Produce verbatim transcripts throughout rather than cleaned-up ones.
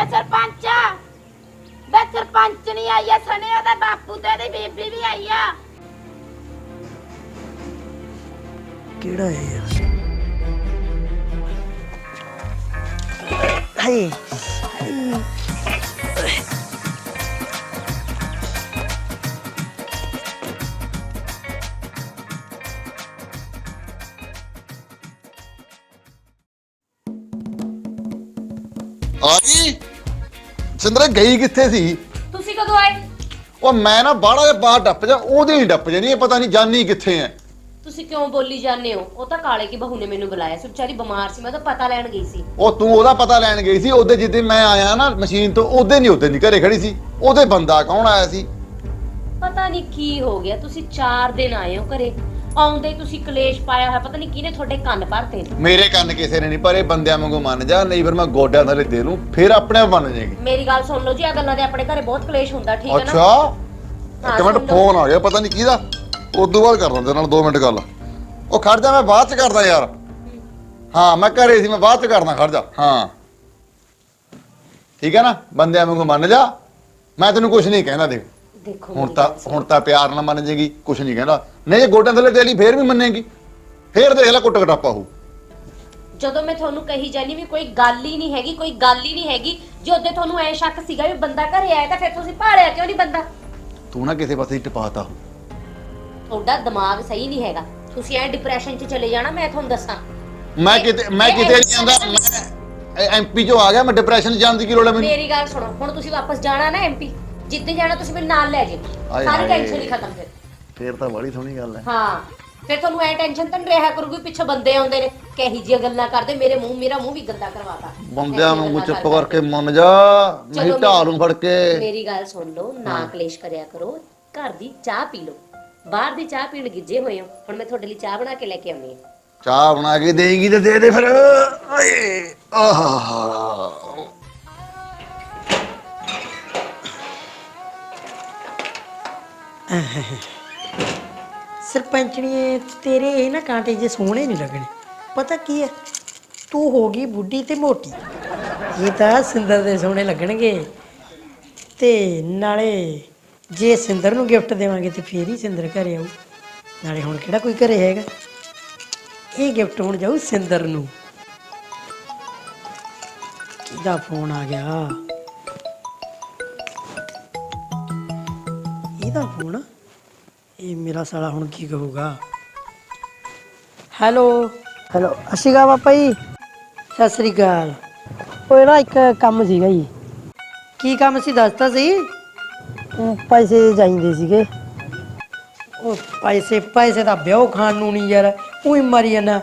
ਵੇ ਸਰਪੰਚ ਵੇ ਸਰਪੰਚ ਨਹੀਂ ਆਇਆ ਸਣੇ ਉਹਦਾ ਬਾਪੂ ਤੇ ਉਹਦੀ ਬੀਬੀ ਵੀ ਆਈ ਆ। ਕਿਹੜਾ ਹੈ ਯਾਰ? ਹਾਏ ਆ ਗਈ ਸਿੰਦਰੇ ਗਈ ਕਿੱਥੇ ਸੀ? ਤੁਸੀਂ ਕਦੋਂ ਆਏ? ਉਹ ਮੈਂ ਨਾ ਬਾਹਲਾ ਜਿਹਾ ਬਾਹਰ ਟੱਪ ਜਾ ਉਹਦੇ ਨਹੀਂ ਟੱਪ ਜਾਣੀ, ਇਹ ਪਤਾ ਨਹੀਂ ਜਾਨੀ ਕਿੱਥੇ ਐ। ਤੁਸੀਂ ਕਿਉਂ ਬੋਲੀ ਜਾਂਦੇ ਹੋ? ਉਹ ਤਾਂ ਕਾਲੇ ਕੀ ਬਹੂ ਨੇ ਮੈਨੂੰ ਬੁਲਾਇਆ ਸੀ, ਵਿਚਾਰੀ ਬਿਮਾਰ ਸੀ, ਮੈਂ ਤਾਂ ਪਤਾ ਲੈਣ ਗਈ ਸੀ। ਉਹ ਤੂੰ ਉਹਦਾ ਪਤਾ ਲੈਣ ਗਈ ਸੀ? ਉਹਦੇ ਜਿੱਦੇ ਮੈਂ ਆਇਆ ਨਾ ਮਸ਼ੀਨ ਤੋਂ ਉਹਦੇ ਨਹੀਂ ਉਹਦੇ ਨਹੀਂ ਘਰੇ ਖੜੀ ਸੀ। ਉਹਦੇ ਬੰਦਾ ਕੌਣ ਆਇਆ ਸੀ? ਪਤਾ ਨਹੀਂ ਕੀ ਹੋ ਗਿਆ, ਤੁਸੀਂ ਚਾਰ ਦਿਨ ਆਏ ਹੋ ਘਰੇ, ਆਉਂਦੇ ਤੁਸੀਂ ਕਲੇਸ਼ ਪਾਇਆ ਹੋਇਆ, ਪਤਾ ਨਹੀਂ ਕਿਹਨੇ ਤੁਹਾਡੇ ਕੰਨ ਭਰਤੇ ਨੇ। ਮੇਰੇ ਕੰਨ ਕਿਸੇ ਨੇ ਨਹੀਂ ਭਰੇ, ਬੰਦਿਆਂ ਵਾਂਗੂ ਮੰਨ ਜਾ, ਨਹੀਂ ਫਿਰ ਮੈਂ ਗੋਡਿਆਂ ਥੱਲੇ ਦੇ ਲੂੰ, ਫਿਰ ਆਪਣੇ ਆਪ ਮੰਨ ਜਾਏਗੀ। ਮੇਰੀ ਗੱਲ ਸੁਣ ਲਓ ਜੀ, ਆ ਗੱਲਾਂ ਦੇ ਆਪਣੇ ਘਰੇ ਬਹੁਤ ਕਲੇਸ਼ ਹੁੰਦਾ, ਠੀਕ ਹੈ ਨਾ? ਅੱਛਾ ਇੱਕ ਮਿੰਟ ਫੋਨ ਆ ਗਿਆ ਪਤਾ ਨਹੀਂ ਕਿਹਦਾ, ਉਦੋਂ ਬਾਅਦ ਕਰਦਾ ਤੇਰੇ ਨਾਲ ਦੋ ਮਿੰਟ ਗੱਲ। ਉਹ ਖੜ ਜਾ ਮੈਂ ਬਾਅਦ ਚ ਕਰਦਾ ਯਾਰ। ਹਾਂ ਮੈਂ ਘਰੇ ਸੀ, ਮੈਂ ਬਾਅਦ ਚ ਕਰਦਾ, ਖੜ ਜਾ। ਹਾਂ ਠੀਕ ਹੈ ਨਾ, ਬੰਦਿਆਂ ਵਾਂਗੂ ਮੰਨ ਜਾ, ਮੈਂ ਤੈਨੂੰ ਕੁਝ ਨਹੀਂ ਕਹਿੰਦਾ। ਦੇਖ ਦੇਖੋ ਹੁਣ ਤਾਂ ਹੁਣ ਤਾਂ ਪਿਆਰ ਨਾਲ ਮੰਨ ਜੇਗੀ, ਕੁਝ ਨਹੀਂ ਕਹਿੰਦਾ। ਨਹੀਂ ਜੇ ਗੋਡਿਆਂ ਥੱਲੇ ਦੇ ਲਈ ਫੇਰ ਵੀ ਮੰਨੇਗੀ, ਫੇਰ ਦੇਖ ਲੈ ਕੁੱਟ ਕਟਾਪਾ ਹੋ। ਜਦੋਂ ਮੈਂ ਤੁਹਾਨੂੰ ਕਹੀ ਜਾਨੀ ਵੀ ਕੋਈ ਗੱਲ ਹੀ ਨਹੀਂ ਹੈਗੀ, ਕੋਈ ਗੱਲ ਹੀ ਨਹੀਂ ਹੈਗੀ, ਜੇ ਉਹਦੇ ਤੁਹਾਨੂੰ ਐ ਸ਼ੱਕ ਸੀਗਾ ਵੀ ਬੰਦਾ ਘਰੇ ਆਇਆ ਤਾਂ ਫਿਰ ਤੁਸੀਂ ਭਾਲਿਆ ਕਿਉਂ ਨਹੀਂ ਬੰਦਾ? ਤੂੰ ਨਾ ਕਿਸੇ ਪਾਸੇ ਟਪਾਤਾ ਹੋ। ਤੁਹਾਡਾ ਦਿਮਾਗ ਸਹੀ ਨਹੀਂ ਹੈਗਾ, ਤੁਸੀਂ ਐ ਡਿਪਰੈਸ਼ਨ 'ਚ ਚਲੇ ਜਾਣਾ। ਮੈਂ ਤੁਹਾਨੂੰ ਦੱਸਾਂ, ਮੈਂ ਕਿਤੇ ਮੈਂ ਕਿਤੇ ਨਹੀਂ ਆਂਦਾ, ਮੈਂ ਐਮਪੀ ਚੋਂ ਆ ਗਿਆ, ਮੈਂ ਡਿਪਰੈਸ਼ਨ ਜਾਣ ਦੀ ਕੀ ਲੋੜ ਹੈ ਮੈਨੂੰ? ਮੇਰੀ ਗੱਲ ਸੁਣੋ, ਹੁਣ ਤੁਸੀਂ ਵਾਪਸ ਜਾਣਾ ਨਾ ਐਮਪੀ, ਜਿੱਦੇ ਜਾਣਾ ਤੁਸੀਂ ਮੇਰੇ ਨਾਲ ਲੈ ਜਾਓ, ਸਾਰੀ ਟੈਨਸ਼ਨ ਹੀ ਖਤਮ। ਫਿਰ ਫੇਰ ਤਾਂ ਬੜੀ ਸੋਹਣੀ ਗੱਲ ਹੈ। ਹਾਂ ਫਿਰ ਤੁਹਾਨੂੰ ਐ ਟੈਨਸ਼ਨ ਤਾਂ ਨਹੀਂ ਰਿਹਾ ਕਰੂਗੀ, ਪਿੱਛੇ ਬੰਦੇ ਆਉਂਦੇ ਨੇ ਕਹੀ ਜੀਆਂ ਗੱਲਾਂ ਕਰਦੇ, ਮੇਰੇ ਮੂੰਹ ਮੇਰਾ ਮੂੰਹ ਵੀ ਗੰਦਾ ਕਰਵਾਤਾ। ਬੰਦਿਆਂ ਵਾਂਗੂ ਚੁੱਪ ਕਰਕੇ ਮੰਨ ਜਾ, ਨਹੀਂ ਢਾਲੂ ਫੜ ਕੇ। ਮੇਰੀ ਗੱਲ ਸੁਣ ਲਓ, ਨਾ ਕਲੇਸ਼ ਕਰਿਆ ਕਰੋ, ਘਰ ਦੀ ਚਾਹ ਪੀ ਲਓ, ਬਾਹਰ ਦੀ ਚਾਹ ਪੀਣ ਗਿੱਜੇ ਹੋਏ ਹੋ। ਹੁਣ ਮੈਂ ਤੁਹਾਡੇ ਲਈ ਚਾਹ ਬਣਾ ਕੇ ਲੈ ਕੇ ਆਉਣੀ ਹੈ। ਚਾਹ ਬਣਾ ਕੇ ਦੇਗੀ ਤੇ ਦੇ ਦੇ ਫਿਰ। ਆਏ ਆਹਾ ਸਰਪੰਚਣੀਏ ਤੇਰੇ ਇਹ ਨਾ ਕਾਂਟੇ ਜੇ ਸੋਹਣੇ ਨਹੀਂ ਲੱਗਣੇ। ਪਤਾ ਕੀ ਹੈ, ਤੂੰ ਹੋ ਗਈ ਬੁੱਢੀ ਤੇ ਮੋਟੀ, ਇਹ ਤਾਂ ਸਿੰਦਰ ਦੇ ਸੋਹਣੇ ਲੱਗਣਗੇ। ਤੇ ਨਾਲੇ ਜੇ ਸਿੰਦਰ ਨੂੰ ਗਿਫਟ ਦੇਵਾਂਗੇ ਤੇ ਫੇਰ ਹੀ ਸਿੰਦਰ ਘਰੇ ਆਊ। ਨਾਲੇ ਹੁਣ ਕਿਹੜਾ ਕੋਈ ਘਰੇ ਹੈਗਾ, ਇਹ ਗਿਫਟ ਹੁਣ ਜਾਊ ਸਿੰਦਰ ਨੂੰ। ਕਿਹਦਾ ਫੋਨ ਆ ਗਿਆ? ਇਹਦਾ ਫੋਨ। ਇਹ ਮੇਰਾ ਸਾਲਾ ਹੁਣ ਕੀ ਕਹੂਗਾ? ਹੈਲੋ ਹੈਲੋ ਅਸ਼ੀਗਾ ਪਾਪਾ ਜੀ, ਸਤਿ ਸ੍ਰੀ ਅਕਾਲ। ਉਹ ਨਾ ਇੱਕ ਕੰਮ ਸੀਗਾ ਜੀ। ਕੀ ਕੰਮ ਸੀ ਦੱਸਤਾ ਸੀ? ਉਹ ਪੈਸੇ ਚਾਹੀਦੇ ਸੀਗੇ। ਉਹ ਪੈਸੇ ਪੈਸੇ ਦਾ ਵਿਆਹ ਖਾਣ ਨੂੰ ਨਹੀਂ ਯਾਰ, ਉਹੀ ਮਰੀ ਜਾਂਦਾ।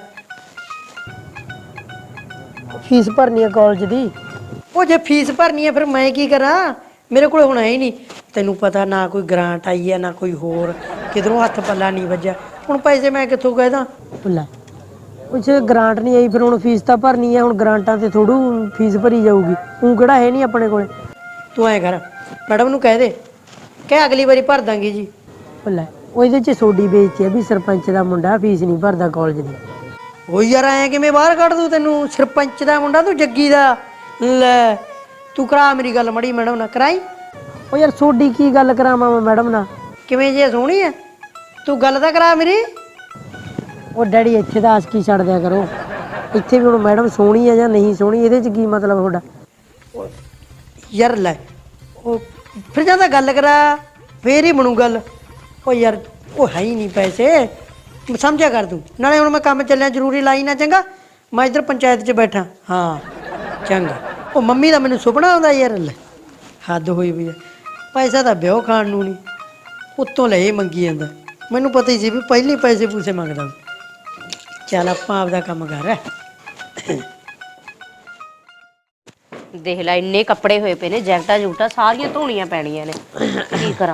ਫੀਸ ਭਰਨੀ ਹੈ ਕਾਲਜ ਦੀ। ਉਹ ਜੇ ਫੀਸ ਭਰਨੀ ਹੈ ਫਿਰ ਮੈਂ ਕੀ ਕਰਾਂ? ਮੇਰੇ ਕੋਲ ਹੁਣ ਹੈ ਹੀ ਨਹੀਂ। ਤੈਨੂੰ ਪਤਾ ਨਾ ਕੋਈ ਗ੍ਰਾਂਟ ਆਈ ਹੈ ਨਾ ਕੋਈ ਹੋਰ, ਕਿਧਰੋਂ ਹੱਥ ਪੱਲਾ ਨਹੀਂ ਵੱਜਿਆ। ਹੁਣ ਪੈਸੇ ਮੈਂ ਕਿੱਥੋਂ ਕਹਿਦਾ? ਲੈ ਕੁਛ ਗ੍ਰਾਂਟ ਨਹੀਂ ਆਈ, ਫਿਰ ਹੁਣ ਫੀਸ ਤਾਂ ਭਰਨੀ ਹੈ। ਹੁਣ ਗ੍ਰਾਂਟਾਂ ਤੇ ਥੋੜੂ ਫੀਸ ਭਰੀ ਜਾਊਗੀ, ਤੂੰ ਕਿਹੜਾ ਹੈ ਨਹੀਂ ਆਪਣੇ ਕੋਲੇ। ਤੂੰ ਐਂ ਕਰ, ਮੈਡਮ ਨੂੰ ਕਹਿ ਦੇ ਕਿ ਅਗਲੀ ਵਾਰੀ ਭਰ ਦਾਂਗੇ ਜੀ। ਲੈ ਉਹਦੇ 'ਚ ਸੋਡੀ ਬੇਇੱਜ਼ਤੀ ਹੈ ਵੀ ਸਰਪੰਚ ਦਾ ਮੁੰਡਾ ਫੀਸ ਨਹੀਂ ਭਰਦਾ ਕਾਲਜ ਦੀ। ਉਹ ਯਾਰ ਐਂ ਕਿਵੇਂ ਬਾਹਰ ਕੱਢ ਦੂੰ ਤੈਨੂੰ? ਸਰਪੰਚ ਦਾ ਮੁੰਡਾ ਤੂੰ ਜੱਗੀ ਦਾ। ਲੈ ਤੂੰ ਕਰਾ ਮੇਰੀ ਗੱਲ ਮੜੀ ਮੈਡਮ ਨਾਲ ਕਰਾਈ। ਉਹ ਯਾਰ ਸੋਡੀ ਕੀ ਗੱਲ ਕਰਾਵਾਂ ਮੈਂ ਮੈਡਮ ਨਾਲ? ਕਿਵੇਂ ਜੇ ਸੋਹਣੀ ਹੈ ਤੂੰ, ਗੱਲ ਤਾਂ ਕਰਾ ਮੇਰੀ। ਉਹ ਡੈਡੀ ਇੱਥੇ ਦਾ ਆਸਕੀ ਛੱਡ ਦਿਆ ਕਰੋ, ਇੱਥੇ ਵੀ ਹੁਣ ਮੈਡਮ ਸੋਹਣੀ ਹੈ ਜਾਂ ਨਹੀਂ ਸੋਹਣੀ ਇਹਦੇ 'ਚ ਕੀ ਮਤਲਬ ਤੁਹਾਡਾ? ਯਾਰ ਲੈ ਉਹ ਫਿਰ ਜਾਂਦਾ ਗੱਲ ਕਰਾ ਫੇਰ ਹੀ ਬਣੂ ਗੱਲ। ਉਹ ਯਾਰ ਉਹ ਹੈ ਹੀ ਨਹੀਂ ਪੈਸੇ, ਸਮਝਿਆ ਕਰ ਤੂੰ। ਨਾਲੇ ਹੁਣ ਮੈਂ ਕੰਮ ਚੱਲਿਆ, ਜ਼ਰੂਰੀ ਲਾਈ ਨਾ ਚੰਗਾ। ਮੈਂ ਇੱਧਰ ਪੰਚਾਇਤ 'ਚ ਬੈਠਾ। ਹਾਂ ਚੰਗਾ। ਉਹ ਮੰਮੀ ਦਾ ਮੈਨੂੰ ਸੁਪਨਾ ਆਉਂਦਾ ਯਾਰ। ਲੈ ਹੱਦ ਹੋਈ ਵੀ ਹੈ, ਪੈਸਾ ਤਾਂ ਵਿਆਹ ਖਾਣ ਨੂੰ ਨਹੀਂ, ਉੱਤੋਂ ਲੈ ਮੰਗੀ ਜਾਂਦਾ। ਮੈਨੂੰ ਪਤਾ ਹੀ ਸੀ ਵੀ ਪਹਿਲੇ ਪੈਸੇ ਪੂਸੇ ਮੰਗਦਾ। ਚੱਲ ਆਪਾਂ ਆਪਦਾ ਕੰਮ ਕਰ। ਦੇਖ ਲੈ ਇੰਨੇ ਕੱਪੜੇ ਹੋਏ ਪਏ ਨੇ, ਜੈਕਟਾਂ ਜੂਟਾਂ ਸਾਰੀਆਂ ਧੋਣੀਆਂ ਪੈਣੀਆਂ ਨੇ, ਕੀ ਕਰਾਂ?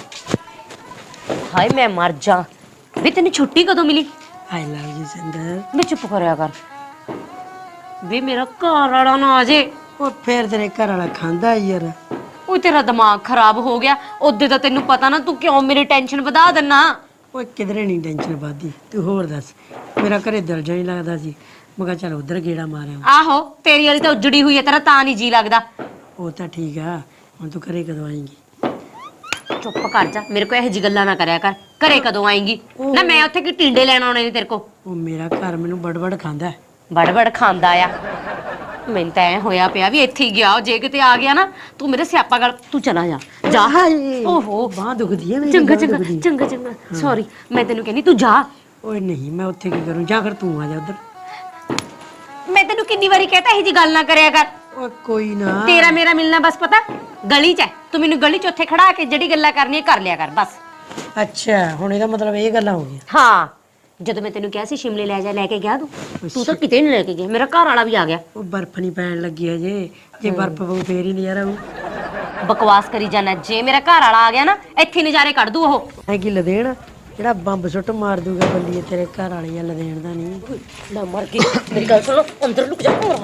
ਹਾਏ ਮੈਂ ਮਰ ਜਾ। ਵੀ ਤੈਨੂੰ ਛੁੱਟੀ ਕਦੋਂ ਮਿਲੀ? ਆਈ ਲਵ ਯੂ ਸਿੰਦਰ। ਵੀ ਚੁੱਪ ਕਰਿਆ ਕਰ, ਵੀ ਮੇਰਾ ਘਰ ਵਾਲਾ ਨਾ ਆ ਜੇ। ਉਹ ਫੇਰ ਤੇਰੇ ਘਰ ਵਾਲਾ ਖਾਂਦਾ ਯਾਰ। ਉਹ ਤੇਰਾ ਦਿਮਾਗ ਖਰਾਬ ਹੋ ਗਿਆ। ਉਹਦੇ ਤਾਂ ਤੈਨੂੰ ਪਤਾ ਨਾ, ਤੂੰ ਕਿਉਂ ਮੇਰੀ ਟੈਨਸ਼ਨ ਵਧਾ ਦਿੰਨਾ? ਉਹ ਕਿਧਰੇ ਨਹੀਂ ਟੈਨਸ਼ਨ ਵੱਧਦੀ। ਤੂੰ ਹੋਰ ਦੱਸ, ਮੇਰਾ ਘਰੇ ਦਿਲ ਜਿਹਾ ਨਹੀਂ ਲੱਗਦਾ ਸੀ, ਮੈਂ ਕਿਹਾ ਚੱਲ ਉਧਰ ਗੇੜਾ ਮਾਰਿਆ। ਆਹੋ ਤੇਰੀ ਵਾਲੀ ਤਾਂ ਉਜੜੀ ਹੋਈ ਹੈ, ਤੇਰਾ ਤਾਂ ਨਹੀਂ ਜੀ ਲੱਗਦਾ। ਉਹ ਤਾਂ ਠੀਕ ਆ ਹੁਣ ਤੂੰ ਘਰੇ ਕਦੋਂ ਆਏਂਗੀ? ਚੁੱਪ ਕਰ ਜਾ, ਮੇਰੇ ਕੋ ਇਹੋ ਜੀ ਗੱਲਾਂ ਨਾ ਕਰਿਆ ਕਰ। ਘਰੇ ਕਦੋਂ ਆਏਂਗੀ? ਨਾ ਮੈਂ ਉੱਥੇ ਕੀ ਟਿੰਡੇ ਲੈਣ ਆਉਣੇ ਨੇ ਤੇਰੇ ਕੋ? ਉਹ ਮੇਰਾ ਘਰ ਮੈਨੂੰ ਬੜਬੜ ਖਾਂਦਾ ਹੈ। ਬੜਬੜ ਖਾਂਦਾ ਆ। ਮੈਨੂੰ ਤਾਂ ਐ ਹੋਇਆ ਪਿਆ ਵੀ ਇੱਥੇ ਹੀ ਗਿਆ, ਜੇ ਕਿਤੇ ਆ ਗਿਆ ਨਾ ਤੂੰ ਮੇਰੇ ਸਿਆਪਾ ਗਲ, ਤੂੰ ਚਲਾ ਜਾ ਜਾ। ਹਾਏ ਓਹੋ ਬਾਂਹ ਦੁਖਦੀ ਹੈ ਮੇਰੀ, ਚੰਗਾ ਬਾਂਹ ਚੰਗਾ ਦੁਖਦੀ ਹੈ। ਚੰਗਾ ਚੰਗਾ ਸੌਰੀ, ਮੈਂ ਤੈਨੂੰ ਕਹਿੰਦੀ ਤੂੰ ਜਾ। ਓਏ ਨਹੀਂ ਮੈਂ ਉੱਥੇ ਕੀ ਕਰੂੰ, ਜਾਂ ਫਿਰ ਤੂੰ ਆ ਜਾ ਉਧਰ। ਮੈਂ ਤੈਨੂੰ ਕਿੰਨੀ ਵਾਰੀ ਕਹਤਾ ਇਹੋ ਜੀ ਗੱਲ ਨਾ ਕਰਿਆ ਕਰ। ਓ ਕੋਈ ਨਾ। ਤੇਰਾ ਮੇਰਾ ਮਿਲਣਾ ਬਸ ਪਤਾ ਗਲੀ 'ਚ ਹੈ। ਤੂੰ ਮੈਨੂੰ ਗਲੀ 'ਚ ਉੱਥੇ ਖੜਾ ਕੇ ਜਿਹੜੀ ਗੱਲਾਂ ਕਰਨੀਆਂ ਕਰ ਲਿਆ ਕਰ ਬਸ। ਅੱਛਾ ਹੁਣ ਇਹਦਾ ਮਤਲਬ ਇਹ ਗੱਲਾਂ ਹੋ ਗਈਆਂ। ਹਾਂ, ਜਦੋਂ ਮੈਂ ਤੈਨੂੰ ਕਿਹਾ ਸੀ ਸ਼ਿਮਲੇ ਲੈ ਜਾ, ਲੈ ਕੇ ਗਿਆ ਤੂੰ ਤੂੰ ਤਾਂ ਕਿਤੇ ਨਹੀਂ ਲੈ ਕੇ ਗਿਆ। ਮੇਰਾ ਘਰ ਵਾਲਾ ਵੀ ਆ ਗਿਆ। ਉਹ ਬਰਫ਼ ਨਹੀਂ ਪੈਣ ਲੱਗੀ ਹਜੇ, ਜੇ ਬਰਫ਼ ਪਊ ਫੇਰ ਹੀ ਨਜ਼ਾਰਾ ਆਊ। ਬਕਵਾਸ ਕਰੀ ਜਾਣਾ। ਜੇ ਮੇਰਾ ਘਰ ਵਾਲਾ ਆ ਗਿਆ ਨਾ ਇੱਥੇ ਨਜ਼ਾਰੇ ਕੱਢ ਦੂ ਉਹ। ਐ ਕੀ ਲਦੇਣ ਜਿਹੜਾ ਬੰਬ ਸੁੱਟ ਮਾਰ ਦੂਗਾ ਬੰਦੀ ਤੇਰੇ ਘਰ ਵਾਲੀ ਆ, ਲਦੇਣ ਦਾ ਨਹੀਂ। ਲੈ ਮਰ ਗਈ। ਮੇਰੀ ਗੱਲ ਸੁਣੋ, ਅੰਦਰ ਲੁਕ ਜਾ। ਹੋਰ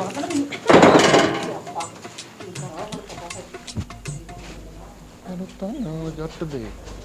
ਜੱਟ ਦੇ